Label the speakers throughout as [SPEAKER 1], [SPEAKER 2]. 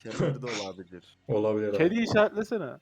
[SPEAKER 1] Kemer de olabilir.
[SPEAKER 2] Olabilir abi.
[SPEAKER 3] Kedi işaretlesene.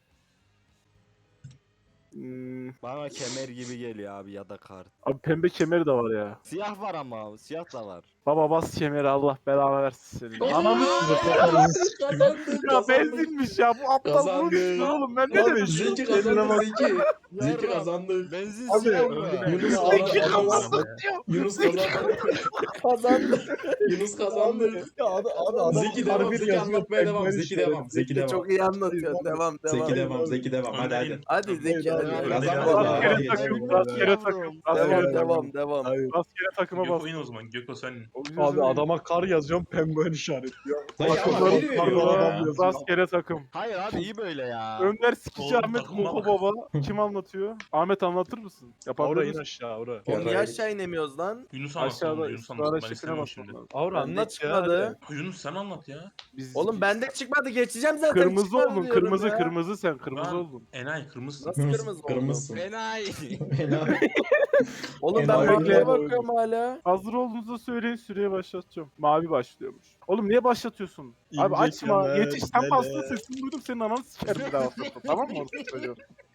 [SPEAKER 1] Bana kemer gibi geliyor abi ya da kart.
[SPEAKER 3] Abi pembe kemeri de var ya.
[SPEAKER 1] Siyah var ama abi. Siyah da var.
[SPEAKER 3] Baba bas kemeri, Allah belanı versin senin.
[SPEAKER 2] Oo!
[SPEAKER 3] Ananı
[SPEAKER 2] Kazandık.
[SPEAKER 3] ya benzinmiş ya, bu aptal bunu
[SPEAKER 2] Kazandık.
[SPEAKER 3] düşünüyor oğlum, ben ne
[SPEAKER 2] Abi
[SPEAKER 3] dedim?
[SPEAKER 2] Zeki
[SPEAKER 3] Kendine
[SPEAKER 2] kazandı
[SPEAKER 3] bak.
[SPEAKER 2] Zeki. Zeki
[SPEAKER 1] Yarram.
[SPEAKER 2] kazandı.
[SPEAKER 1] Benzin
[SPEAKER 3] Abi,
[SPEAKER 1] siyah mı?
[SPEAKER 2] Yunus
[SPEAKER 3] Zeki
[SPEAKER 2] kazandı.
[SPEAKER 3] kazandı.
[SPEAKER 2] Yunus kazandı. Kazandı. Yunus kazandı.
[SPEAKER 4] Ya adam
[SPEAKER 2] Zeki devam. Zeki anlatmaya devam. Zeki devam. Zeki devam.
[SPEAKER 4] çok iyi anlatıyor. Devam.
[SPEAKER 2] Zeki devam. Zeki devam. Hadi hadi.
[SPEAKER 4] Hadi Zeki hadi.
[SPEAKER 2] Hayır,
[SPEAKER 4] hadi.
[SPEAKER 2] kazanmadı
[SPEAKER 4] Devam,
[SPEAKER 2] abi.
[SPEAKER 3] Rastgele
[SPEAKER 2] Geçelim.
[SPEAKER 3] takım, rastgele takım, rastgele takım.
[SPEAKER 4] devam.
[SPEAKER 3] Rastgele takıma
[SPEAKER 5] Gökhan
[SPEAKER 3] bas.
[SPEAKER 5] oyun o zaman. Gökhan sen.
[SPEAKER 6] Abi adama kar yazıyorum, penguen işaretliyor.
[SPEAKER 2] Dayı ama
[SPEAKER 3] Takımları
[SPEAKER 2] biri veriyor
[SPEAKER 3] karla
[SPEAKER 2] ya.
[SPEAKER 3] adam yazıyor. Rastgele takım.
[SPEAKER 1] Hayır abi iyi böyle ya.
[SPEAKER 3] Önder Sikici
[SPEAKER 5] Oğlum,
[SPEAKER 3] Ahmet
[SPEAKER 5] takıma
[SPEAKER 3] Koko
[SPEAKER 5] bak.
[SPEAKER 3] Baba. Kim anlatıyor? Ahmet anlatır mısın?
[SPEAKER 6] Aura
[SPEAKER 3] Yapabilir
[SPEAKER 6] in
[SPEAKER 3] misin?
[SPEAKER 6] aşağı Aura.
[SPEAKER 4] Oğlum niye aşağı inemiyoruz lan?
[SPEAKER 5] Yunus anlat
[SPEAKER 3] Aşağıda
[SPEAKER 5] oğlum. Yunus anlat.
[SPEAKER 3] ısrarla
[SPEAKER 5] Ben
[SPEAKER 3] şifre
[SPEAKER 5] istemiyorum
[SPEAKER 3] basmam
[SPEAKER 5] şimdi.
[SPEAKER 3] lazım.
[SPEAKER 6] Aura
[SPEAKER 4] Bende
[SPEAKER 6] anlat ya.
[SPEAKER 4] çıkmadı.
[SPEAKER 5] Yunus sen anlat ya.
[SPEAKER 3] Biz
[SPEAKER 4] Oğlum bende çıkmadı. Geçeceğim zaten.
[SPEAKER 3] kırmızı
[SPEAKER 4] çıkmadı
[SPEAKER 3] oldun,
[SPEAKER 4] diyorum
[SPEAKER 3] kırmızı
[SPEAKER 4] ya.
[SPEAKER 3] kırmızı sen, kırmızı
[SPEAKER 5] Lan.
[SPEAKER 3] oldun.
[SPEAKER 5] Enayi kırmızısın.
[SPEAKER 4] Nasıl kırmızı oldum?
[SPEAKER 2] Kırmızısın.
[SPEAKER 1] Enayi.
[SPEAKER 2] Helal.
[SPEAKER 4] Oğlum ben
[SPEAKER 2] Enayi.
[SPEAKER 4] maviye bakıyorum hala.
[SPEAKER 3] Hazır olduğunuzda söyleyin, süreye başlatacağım. Mavi başlıyormuş. Oğlum niye başlatıyorsun? Abi
[SPEAKER 6] İnce
[SPEAKER 3] açma,
[SPEAKER 6] kemer,
[SPEAKER 3] yetiş. Sen
[SPEAKER 6] lele.
[SPEAKER 3] bastın, sesini duydum, senin ananı sikerim bir daha başlatma. Tamam mı orası çocuğu?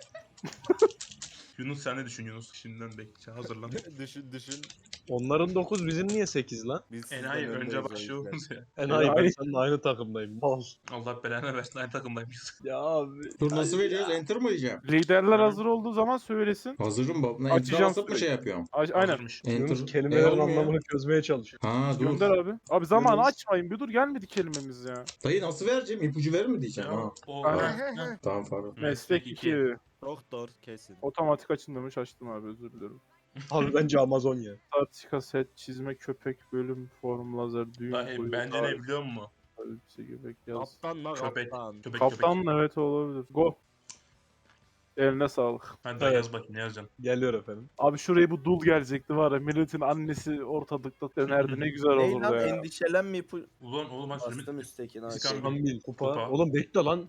[SPEAKER 5] Yunus sen ne düşün Yunus? Şimdiden bekle. Hazırlan.
[SPEAKER 1] düşün.
[SPEAKER 6] Onların 9 bizim niye 8 lan?
[SPEAKER 1] Biz sizden
[SPEAKER 5] Enayi önce
[SPEAKER 1] öndeyiz o
[SPEAKER 5] başlıyoruz
[SPEAKER 1] yüzden.
[SPEAKER 5] ya.
[SPEAKER 6] Enayi ben
[SPEAKER 3] Enayi.
[SPEAKER 6] seninle aynı takımdayım. Mal.
[SPEAKER 5] Allah belanı versin. Aynı takımdaymışız.
[SPEAKER 6] Ya abi.
[SPEAKER 2] Dur nasıl veriyoruz? Enter mı diyeceğim?
[SPEAKER 3] Liderler hazır olduğu zaman söylesin.
[SPEAKER 2] Hazırım baba. Enter'a
[SPEAKER 3] Açacağım
[SPEAKER 2] basıp mı
[SPEAKER 3] sürekli.
[SPEAKER 2] şey yapıyorum?
[SPEAKER 3] Aynen.
[SPEAKER 5] Hazırmış.
[SPEAKER 6] Yunus
[SPEAKER 2] Enter.
[SPEAKER 6] kelimelerin
[SPEAKER 2] olmuyor.
[SPEAKER 6] anlamını çözmeye çalışıyor.
[SPEAKER 2] Ha dur.
[SPEAKER 3] Gönder abi. Abi zamanı
[SPEAKER 6] Yunus.
[SPEAKER 3] açmayın, bir dur, gelmedi kelimemiz ya.
[SPEAKER 2] Dayı nasıl vereceğim? İpucu verir mi diyeceğim?
[SPEAKER 5] Ya,
[SPEAKER 2] Ha.
[SPEAKER 5] o
[SPEAKER 3] Aynen.
[SPEAKER 2] Tamam pardon.
[SPEAKER 3] Meslek 2.
[SPEAKER 1] Doktor kesin.
[SPEAKER 3] Otomatik açılmamış, açtım abi, özür dilerim.
[SPEAKER 6] Abi bence Amazon ya.
[SPEAKER 3] Tartika, set, çizme, köpek, bölüm, form, lazer, düğün,
[SPEAKER 5] Dayı, bence ne biliyor musun?
[SPEAKER 3] elbise, göbek, yaz.
[SPEAKER 1] Kaptan la
[SPEAKER 5] Köpek.
[SPEAKER 1] kaptan.
[SPEAKER 5] Köpek
[SPEAKER 3] Kaptan
[SPEAKER 5] köpek.
[SPEAKER 3] evet olabilir. Go. Eline sağlık.
[SPEAKER 5] Hadi daha yaz bakayım ne yazacaksın.
[SPEAKER 6] Geliyor efendim.
[SPEAKER 3] Abi şuraya bu dul gelecekti var ya. Milletin annesi ortalıkta dönerdi. Ne güzel
[SPEAKER 4] Ney
[SPEAKER 3] olurdu
[SPEAKER 4] lan
[SPEAKER 3] ya.
[SPEAKER 4] endişelenme ipu.
[SPEAKER 5] Oğlum ben
[SPEAKER 4] Bastım
[SPEAKER 5] sürümü...
[SPEAKER 4] üsttekini
[SPEAKER 5] İskan
[SPEAKER 4] aşağı.
[SPEAKER 5] bil.
[SPEAKER 6] Kambil, kupa.
[SPEAKER 5] Kupa.
[SPEAKER 6] Oğlum bekle lan.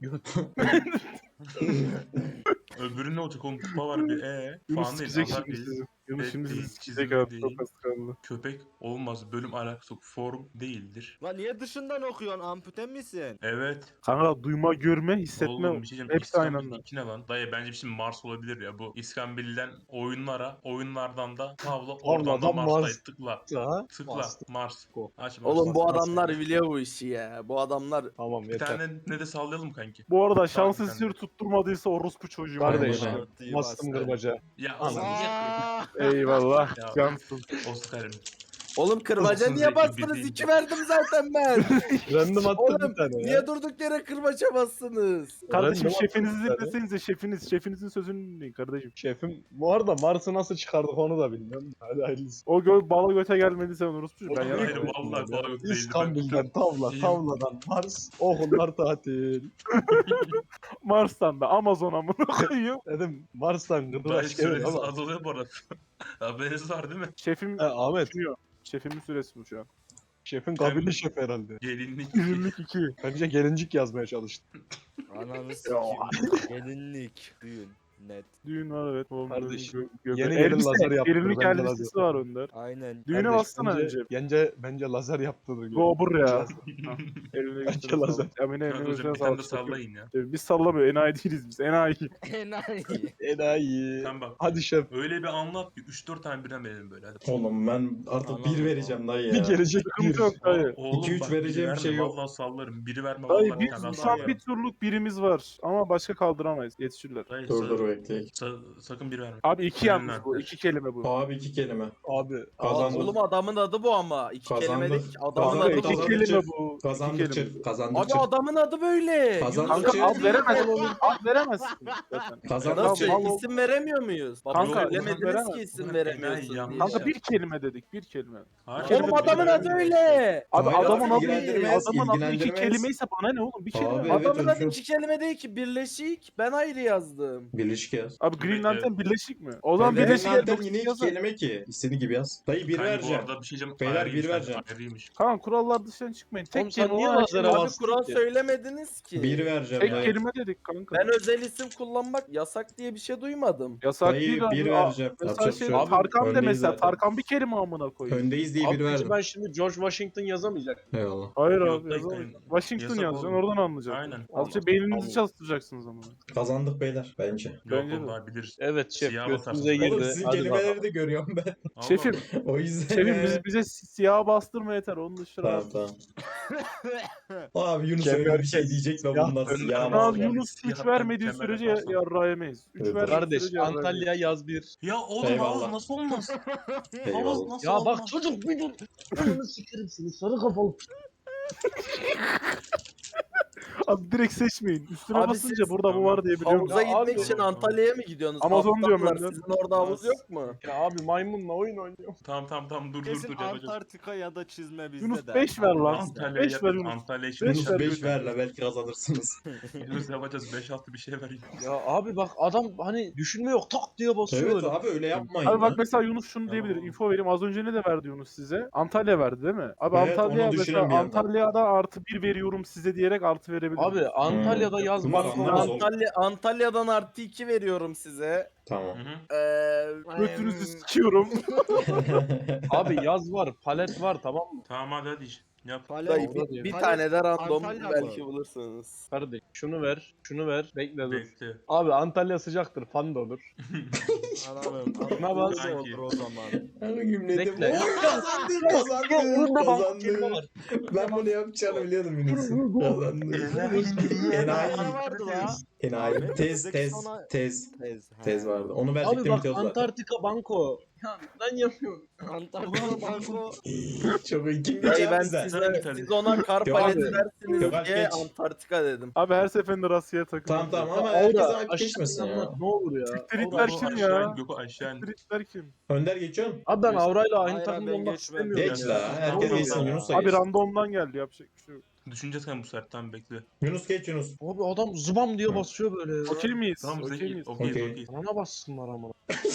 [SPEAKER 5] Öbürü ne olacak oğlum kupa var bir
[SPEAKER 3] Yunus
[SPEAKER 5] falan değil.
[SPEAKER 3] sikecek
[SPEAKER 5] Allah
[SPEAKER 3] şimdi
[SPEAKER 5] bilir.
[SPEAKER 3] sizi. Yunus
[SPEAKER 5] Evet,
[SPEAKER 3] şimdi
[SPEAKER 5] değil,
[SPEAKER 3] sizi sikecek
[SPEAKER 5] çizimi
[SPEAKER 3] abi.
[SPEAKER 5] değil.
[SPEAKER 3] Çok kıskandı.
[SPEAKER 5] Köpek olmaz bölüm alakası yok. Form değildir.
[SPEAKER 1] Lan niye dışından okuyorsun? Ampute misin?
[SPEAKER 5] Evet.
[SPEAKER 3] Kanka duyma, görme, hissetme.
[SPEAKER 5] Oğlum bir şey diyeceğim.
[SPEAKER 3] Hepsi aynı
[SPEAKER 5] İskambil
[SPEAKER 3] anda.
[SPEAKER 5] 2 ne lan? Dayı bence bir şey Mars olabilir ya bu. İskambil'den oyunlara, oyunlardan da tavla, oradan da
[SPEAKER 6] Oradan
[SPEAKER 5] Mars'tayı
[SPEAKER 6] Mars.
[SPEAKER 5] tıkla.
[SPEAKER 6] Ha?
[SPEAKER 5] Tıkla.
[SPEAKER 6] Bastım.
[SPEAKER 5] Mars.
[SPEAKER 6] Go.
[SPEAKER 5] Aç Mars.
[SPEAKER 4] Oğlum bu
[SPEAKER 6] Bas, bas,
[SPEAKER 4] adamlar
[SPEAKER 6] bas.
[SPEAKER 4] biliyor bu işi ya. Bu adamlar
[SPEAKER 6] Tamam
[SPEAKER 5] Bir
[SPEAKER 6] yeter.
[SPEAKER 5] tane ne de sallayalım kanki.
[SPEAKER 3] Bu arada
[SPEAKER 5] Tamam,
[SPEAKER 3] şans
[SPEAKER 5] sen
[SPEAKER 3] eseri
[SPEAKER 5] de.
[SPEAKER 3] tutturmadıysa orospu çocuğu.
[SPEAKER 6] Kardeş.
[SPEAKER 2] Aynen.
[SPEAKER 1] Artıyı
[SPEAKER 6] Bastım
[SPEAKER 1] bastı.
[SPEAKER 6] kırbaca.
[SPEAKER 5] Ya
[SPEAKER 6] Anladım.
[SPEAKER 5] oğlum niye
[SPEAKER 1] Aa!
[SPEAKER 3] Eyvallah.
[SPEAKER 5] Ya.
[SPEAKER 3] Cansın.
[SPEAKER 5] Oscar'ım.
[SPEAKER 4] Oğlum kırbaca
[SPEAKER 5] Olsun
[SPEAKER 4] niye
[SPEAKER 5] Zeki,
[SPEAKER 4] bastınız?
[SPEAKER 5] bildiğin
[SPEAKER 4] 2 verdim zaten ben.
[SPEAKER 6] Random attım
[SPEAKER 4] Oğlum
[SPEAKER 6] bir tane ya.
[SPEAKER 4] niye durduk yere kırbaca bastınız?
[SPEAKER 3] Kardeşim
[SPEAKER 6] Random
[SPEAKER 3] şefinizi
[SPEAKER 6] attım bir tane.
[SPEAKER 3] dinlesenize, şefinizin sözünü dinleyin kardeşim.
[SPEAKER 6] Şefim bu arada Mars'ı nasıl çıkardık onu da bilmiyorum. Hadi hayırlısı.
[SPEAKER 3] O bala göte gelmediyse orospu çocuğu. Ben
[SPEAKER 5] Oğlum,
[SPEAKER 3] yanım.
[SPEAKER 5] hayır, vallahi kolay yok değildi.
[SPEAKER 6] İskambil'den tavla,
[SPEAKER 5] Şeyim-
[SPEAKER 6] tavladan Mars, okullar tatil.
[SPEAKER 3] Mars'tan da Amazon'a mı koyuyor?
[SPEAKER 6] Dedim Mars'tan
[SPEAKER 5] Dayı
[SPEAKER 6] Kıbrıs gelir
[SPEAKER 5] süreniz
[SPEAKER 6] ama.
[SPEAKER 5] azalıyor bu arada. Haberiniz var değil mi?
[SPEAKER 3] Şefim
[SPEAKER 6] Ahmet,
[SPEAKER 3] düşünüyor. Şefimin süresi bu şu an.
[SPEAKER 6] şefin kabili şef herhalde.
[SPEAKER 5] Gelinlik.
[SPEAKER 3] 22.
[SPEAKER 6] Bence gelincik yazmaya çalıştı.
[SPEAKER 1] Ananı sikeyim. Gelinlik. Düğün. Net.
[SPEAKER 3] Düğün var evet. Oğlum,
[SPEAKER 6] Kardeş,
[SPEAKER 3] göbe-
[SPEAKER 6] yeni gelin
[SPEAKER 3] elbise,
[SPEAKER 6] lazer yaptı,
[SPEAKER 3] gelinlik
[SPEAKER 6] bence
[SPEAKER 3] elbisesi
[SPEAKER 6] lazer.
[SPEAKER 3] var Önder.
[SPEAKER 1] Aynen.
[SPEAKER 3] Düğüne
[SPEAKER 6] Kardeş,
[SPEAKER 3] bassana
[SPEAKER 6] bence lazer yaptığını
[SPEAKER 3] Go buraya.
[SPEAKER 6] Lazer.
[SPEAKER 3] Eline
[SPEAKER 6] Bence
[SPEAKER 3] götüre
[SPEAKER 6] lazer.
[SPEAKER 3] sağlık. Emine
[SPEAKER 5] Hadi
[SPEAKER 3] eline
[SPEAKER 5] hocam
[SPEAKER 3] götüre
[SPEAKER 5] bir tane de
[SPEAKER 3] sağlık.
[SPEAKER 5] sallayın ya.
[SPEAKER 3] Biz sallamıyor. Enayi değiliz biz. Enayi.
[SPEAKER 1] Enayi.
[SPEAKER 6] Enayi.
[SPEAKER 5] Sen bak.
[SPEAKER 6] Hadi şef.
[SPEAKER 5] Öyle bir anlat ki 3-4 tane birden verelim böyle. Hadi.
[SPEAKER 2] Oğlum ben artık
[SPEAKER 1] Anladım.
[SPEAKER 2] 1 vereceğim dayı
[SPEAKER 6] Bir
[SPEAKER 2] ya.
[SPEAKER 6] gelecek
[SPEAKER 3] Sıkıntı
[SPEAKER 6] bir.
[SPEAKER 3] yok dayı.
[SPEAKER 5] Oğlum
[SPEAKER 2] 2-3
[SPEAKER 5] bak,
[SPEAKER 2] vereceğim
[SPEAKER 5] biri
[SPEAKER 2] bir şey
[SPEAKER 5] verme,
[SPEAKER 2] yok.
[SPEAKER 5] Vallahi sallarım. Biri verme
[SPEAKER 3] Dayı
[SPEAKER 5] vallahi bir
[SPEAKER 3] biz
[SPEAKER 5] tane
[SPEAKER 3] şu
[SPEAKER 5] daha
[SPEAKER 3] an bir
[SPEAKER 5] sallarım.
[SPEAKER 3] turluk birimiz var. Ama başka kaldıramayız. Yetişirler.
[SPEAKER 5] Dayı,
[SPEAKER 2] Dur dur bekleyin.
[SPEAKER 5] sakın bir verme.
[SPEAKER 3] Abi iki
[SPEAKER 5] Benimle
[SPEAKER 3] yalnız bu.
[SPEAKER 5] arkadaş.
[SPEAKER 3] 2 kelime bu.
[SPEAKER 2] Abi 2 kelime.
[SPEAKER 6] Abi.
[SPEAKER 2] Kazandık.
[SPEAKER 4] Oğlum adamın adı bu ama. 2 kelime
[SPEAKER 2] Kazandık.
[SPEAKER 4] değil ki. Adamın
[SPEAKER 3] Kanka
[SPEAKER 2] Kazandık,
[SPEAKER 4] adı
[SPEAKER 3] iki
[SPEAKER 4] bu.
[SPEAKER 2] kazandık.
[SPEAKER 3] kelime bu. İki
[SPEAKER 2] Kazandıkça,
[SPEAKER 3] kelime.
[SPEAKER 4] Abi
[SPEAKER 2] kazandıkça,
[SPEAKER 4] adamın adı böyle.
[SPEAKER 2] Kazandıkça-
[SPEAKER 4] Yunus
[SPEAKER 3] Kanka ad
[SPEAKER 4] Emre
[SPEAKER 3] veremezsin.
[SPEAKER 4] böyle.
[SPEAKER 3] Ad veremezsin zaten.
[SPEAKER 2] kazandıkça.
[SPEAKER 3] Tamam,
[SPEAKER 4] Nasıl? İsim veremiyor muyuz? Baba
[SPEAKER 3] Kanka,
[SPEAKER 4] Kanka bilemediniz
[SPEAKER 3] veremez.
[SPEAKER 4] ki isim
[SPEAKER 5] Ulan
[SPEAKER 4] veremiyorsun.
[SPEAKER 5] enayi
[SPEAKER 4] diye.
[SPEAKER 3] Kanka bir kelime dedik. Bir kelime.
[SPEAKER 5] Hayır,
[SPEAKER 3] Oğlum,
[SPEAKER 4] Oğlum
[SPEAKER 5] bir
[SPEAKER 4] adamın
[SPEAKER 5] verme.
[SPEAKER 4] adı öyle.
[SPEAKER 3] Abi
[SPEAKER 2] Hayır,
[SPEAKER 3] adamın adı
[SPEAKER 2] ilgilendirmez,
[SPEAKER 3] adamın adı iki
[SPEAKER 2] ilgilendirmez.
[SPEAKER 3] kelimeyse bana ne oğlum? Bir kelime.
[SPEAKER 2] Abi,
[SPEAKER 3] Adam-
[SPEAKER 2] evet,
[SPEAKER 4] Adamın adı
[SPEAKER 2] özür.
[SPEAKER 4] 2 kelime değil ki birleşik. Ben ayrı yazdım.
[SPEAKER 2] Birleşik Birleşik yaz.
[SPEAKER 3] Abi Green
[SPEAKER 5] Evet,
[SPEAKER 3] Lantern birleşik mi? O zaman
[SPEAKER 2] Green
[SPEAKER 3] birleşik
[SPEAKER 2] Lantern
[SPEAKER 3] yaz
[SPEAKER 2] yine iki
[SPEAKER 3] yazar.
[SPEAKER 2] kelime ki. İstediğin gibi yaz. Dayı bir
[SPEAKER 5] Kanka bu
[SPEAKER 2] vereceğim.
[SPEAKER 5] arada bir şey diyeceğim.
[SPEAKER 2] Beyler,
[SPEAKER 5] Ayrıymış
[SPEAKER 2] bir
[SPEAKER 5] lan,
[SPEAKER 2] vereceğim.
[SPEAKER 5] ayrıymış.
[SPEAKER 3] Kaan kurallar dışına çıkmayın. Tek
[SPEAKER 6] Oğlum sen
[SPEAKER 3] kelime
[SPEAKER 6] niye
[SPEAKER 3] olarak
[SPEAKER 6] lazere
[SPEAKER 3] yazın.
[SPEAKER 4] Abi
[SPEAKER 6] bastın
[SPEAKER 4] kural
[SPEAKER 6] ki?
[SPEAKER 4] söylemediniz ki.
[SPEAKER 2] Bir vereceğim
[SPEAKER 3] Tek
[SPEAKER 2] dayı.
[SPEAKER 3] kelime dedik kanka.
[SPEAKER 4] Ben özel isim kullanmak yasak diye bir şey duymadım.
[SPEAKER 3] Yasak
[SPEAKER 2] Dayı
[SPEAKER 3] değil abi.
[SPEAKER 2] bir
[SPEAKER 3] Aa,
[SPEAKER 2] vereceğim.
[SPEAKER 3] Mesela
[SPEAKER 2] Yapacak bir
[SPEAKER 3] şey
[SPEAKER 2] şey yok.
[SPEAKER 3] Tarkan de
[SPEAKER 2] Öndeyiz
[SPEAKER 3] mesela.
[SPEAKER 2] zaten.
[SPEAKER 3] Tarkan bir kelime amına koyayım.
[SPEAKER 2] Öndeyiz diye
[SPEAKER 6] Abi
[SPEAKER 2] bir
[SPEAKER 6] peki
[SPEAKER 2] verdim.
[SPEAKER 6] ben şimdi George Washington yazamayacak.
[SPEAKER 2] Eyvallah.
[SPEAKER 3] Hayır
[SPEAKER 5] Yok,
[SPEAKER 3] abi
[SPEAKER 5] dayı,
[SPEAKER 3] yazamayız.
[SPEAKER 5] dayı.
[SPEAKER 3] Washington
[SPEAKER 5] Yasak
[SPEAKER 3] yazacaksın
[SPEAKER 5] oğlum.
[SPEAKER 3] oradan anlayacaksın.
[SPEAKER 5] Aynen.
[SPEAKER 3] Azıcık beyninizi
[SPEAKER 6] Allah.
[SPEAKER 3] çalıştıracaksınız ama.
[SPEAKER 2] Kazandık beyler bence.
[SPEAKER 5] Yok
[SPEAKER 3] Bence
[SPEAKER 5] oğlum
[SPEAKER 3] de.
[SPEAKER 5] daha biliriz.
[SPEAKER 6] Evet şef
[SPEAKER 5] Siyah
[SPEAKER 6] götümüze
[SPEAKER 5] batarsın.
[SPEAKER 6] girdi.
[SPEAKER 2] Oğlum sizin
[SPEAKER 6] Hadi
[SPEAKER 2] kelimeleri
[SPEAKER 6] bakalım.
[SPEAKER 2] de görüyorum ben.
[SPEAKER 5] Allah
[SPEAKER 3] Şefim,
[SPEAKER 2] O yüzden.
[SPEAKER 3] şefim bize siyah bastırma yeter. Onun dışında.
[SPEAKER 2] Tamam tamam. Abi Yunus
[SPEAKER 6] Kemer
[SPEAKER 2] öyle bir şey
[SPEAKER 6] kes.
[SPEAKER 2] diyecek ve
[SPEAKER 6] Siyah
[SPEAKER 2] bundan
[SPEAKER 5] önlü
[SPEAKER 2] siyah
[SPEAKER 5] kırmızı.
[SPEAKER 3] Abi
[SPEAKER 2] var.
[SPEAKER 3] Yunus 3
[SPEAKER 5] Siyahtan
[SPEAKER 3] vermediği
[SPEAKER 5] kemer
[SPEAKER 3] sürece
[SPEAKER 5] yaparsan.
[SPEAKER 3] yarrağı yemeyiz. 3
[SPEAKER 2] Evet,
[SPEAKER 3] vermediği
[SPEAKER 6] Kardeş
[SPEAKER 3] sürece yarrağı
[SPEAKER 6] Antalya
[SPEAKER 3] yemeyiz.
[SPEAKER 6] yaz bir.
[SPEAKER 5] Ya oğlum
[SPEAKER 2] Eyvallah.
[SPEAKER 5] havuz nasıl olmaz? Havuz
[SPEAKER 2] Eyvallah.
[SPEAKER 5] nasıl
[SPEAKER 6] Ya
[SPEAKER 5] olmaz?
[SPEAKER 6] bak çocuk bir dur. Ananı sikerim seni sarı kafalı.
[SPEAKER 3] Abi direkt seçmeyin. Üstüne
[SPEAKER 4] Abi
[SPEAKER 3] basınca
[SPEAKER 4] siz-
[SPEAKER 3] burada bu var diye biliyorum.
[SPEAKER 4] Havuza
[SPEAKER 6] Ya abi-
[SPEAKER 4] gitmek için Antalya'ya mı gidiyorsunuz?
[SPEAKER 3] Amazon diyorum
[SPEAKER 4] Aptallar,
[SPEAKER 3] ben de.
[SPEAKER 4] sizin orada havuz yok mu?
[SPEAKER 6] Ya abi maymunla oyun oynuyor.
[SPEAKER 5] Tamam dur
[SPEAKER 1] Kesin
[SPEAKER 5] yapacağız.
[SPEAKER 1] Antarktika ya da çizme bizde
[SPEAKER 3] Yunus
[SPEAKER 1] de.
[SPEAKER 3] 5 ver lan.
[SPEAKER 5] Antalya'ya
[SPEAKER 3] 5 ver Yunus.
[SPEAKER 5] Antalya için
[SPEAKER 3] Beş
[SPEAKER 2] Yunus
[SPEAKER 3] ver
[SPEAKER 2] 5
[SPEAKER 3] Yunus.
[SPEAKER 2] ver la belki kazanırsınız.
[SPEAKER 5] Yunus yapacağız 5-6 bir şey ver.
[SPEAKER 6] Ya abi bak adam hani düşünme yok tak diye basıyor
[SPEAKER 2] Evet
[SPEAKER 6] öyle.
[SPEAKER 2] abi öyle yapmayın.
[SPEAKER 3] Abi bak
[SPEAKER 2] ya.
[SPEAKER 3] mesela Yunus şunu diyebilir.
[SPEAKER 5] Tamam.
[SPEAKER 3] Info vereyim. Az önce ne de verdi Yunus size? Antalya verdi değil mi? Abi
[SPEAKER 2] Evet,
[SPEAKER 3] Antalya
[SPEAKER 2] onu düşünün
[SPEAKER 3] mesela
[SPEAKER 2] bir yandan.
[SPEAKER 3] Antalya'da artı 1 veriyorum size diyerek artı verebilir.
[SPEAKER 6] Abi Antalya'da yaz
[SPEAKER 2] Kumar
[SPEAKER 6] banko
[SPEAKER 2] anlamaz
[SPEAKER 6] var.
[SPEAKER 2] oğlum.
[SPEAKER 4] Antalya'dan artı 2 veriyorum size.
[SPEAKER 2] Tamam.
[SPEAKER 3] Götünüzü sikiyorum.
[SPEAKER 6] Abi yaz var, palet var tamam mı?
[SPEAKER 5] Tamam hadi yap.
[SPEAKER 4] Dayı,
[SPEAKER 6] Orada
[SPEAKER 4] bir
[SPEAKER 6] diyor.
[SPEAKER 4] tane de random
[SPEAKER 1] Antalya
[SPEAKER 4] belki
[SPEAKER 1] mı?
[SPEAKER 4] bulursunuz.
[SPEAKER 6] Kardeş şunu ver, şunu ver. Bekle dur.
[SPEAKER 5] Bekle.
[SPEAKER 6] Abi Antalya sıcaktır, fan da olur.
[SPEAKER 1] Anamım.
[SPEAKER 6] Buna bak.
[SPEAKER 1] Ne olur o zaman.
[SPEAKER 2] Hangi gümledim?
[SPEAKER 6] Bekle.
[SPEAKER 2] Kazandım. Ben bunu yapacağını biliyordum Yunus'un. Kazandım. Enayi.
[SPEAKER 1] Ne vardı la?
[SPEAKER 2] Enayi.
[SPEAKER 1] Ahmet,
[SPEAKER 2] Tez,
[SPEAKER 1] bizdeki
[SPEAKER 2] tez,
[SPEAKER 1] sona-
[SPEAKER 2] tez. Tez
[SPEAKER 1] ha.
[SPEAKER 2] vardı. Onu
[SPEAKER 6] Abi
[SPEAKER 2] verecektim
[SPEAKER 6] bak
[SPEAKER 2] bitiyordu zaten.
[SPEAKER 6] Antarktika banko. Ya ben yapıyorum.
[SPEAKER 1] Antarktika banko.
[SPEAKER 2] Çok iyi. Kim
[SPEAKER 4] Dayı
[SPEAKER 2] diyecek
[SPEAKER 4] ben
[SPEAKER 2] bize?
[SPEAKER 4] siz ona kar
[SPEAKER 2] Yok
[SPEAKER 4] paleti
[SPEAKER 2] abi.
[SPEAKER 4] versiniz
[SPEAKER 2] Yok abi,
[SPEAKER 4] diye
[SPEAKER 2] geç.
[SPEAKER 4] Antarktika dedim.
[SPEAKER 3] Abi her seferinde rastgele takılıyor.
[SPEAKER 2] Tamam ama
[SPEAKER 6] Ya
[SPEAKER 2] herkes
[SPEAKER 6] orada
[SPEAKER 2] hak
[SPEAKER 6] aşağı
[SPEAKER 2] geçmesin ya.
[SPEAKER 6] inanmak Ne olur ya.
[SPEAKER 3] Siktiritler
[SPEAKER 5] Gökhan
[SPEAKER 3] kim
[SPEAKER 5] aşağı
[SPEAKER 3] ya?
[SPEAKER 5] in, Gökhan aşağı in.
[SPEAKER 3] Siktiritler kim?
[SPEAKER 2] Önder geçiyorsun.
[SPEAKER 6] Abi ben Avra'yla aynı
[SPEAKER 1] Hayır,
[SPEAKER 6] takımda
[SPEAKER 1] ben
[SPEAKER 6] olmak
[SPEAKER 1] geçmem.
[SPEAKER 6] istemiyorum.
[SPEAKER 2] Geç
[SPEAKER 6] ya.
[SPEAKER 2] la. Herkes
[SPEAKER 5] Tamam,
[SPEAKER 2] geçsin.
[SPEAKER 5] tamam.
[SPEAKER 2] Yunus da
[SPEAKER 3] Abi
[SPEAKER 2] geç.
[SPEAKER 3] randomdan geldi yapacak bir şey yok.
[SPEAKER 5] Düşüneceğiz kanka bu sefer tamam bekle.
[SPEAKER 2] Yunus geç Yunus.
[SPEAKER 6] Abi adam zıbam diye basıyor böyle ya.
[SPEAKER 3] Okey miyiz?
[SPEAKER 5] Tamam
[SPEAKER 3] Okey
[SPEAKER 5] Zeki
[SPEAKER 3] miyiz?
[SPEAKER 5] okeyiz
[SPEAKER 2] Okey.
[SPEAKER 5] okeyiz.
[SPEAKER 6] Bana bassınlar ama.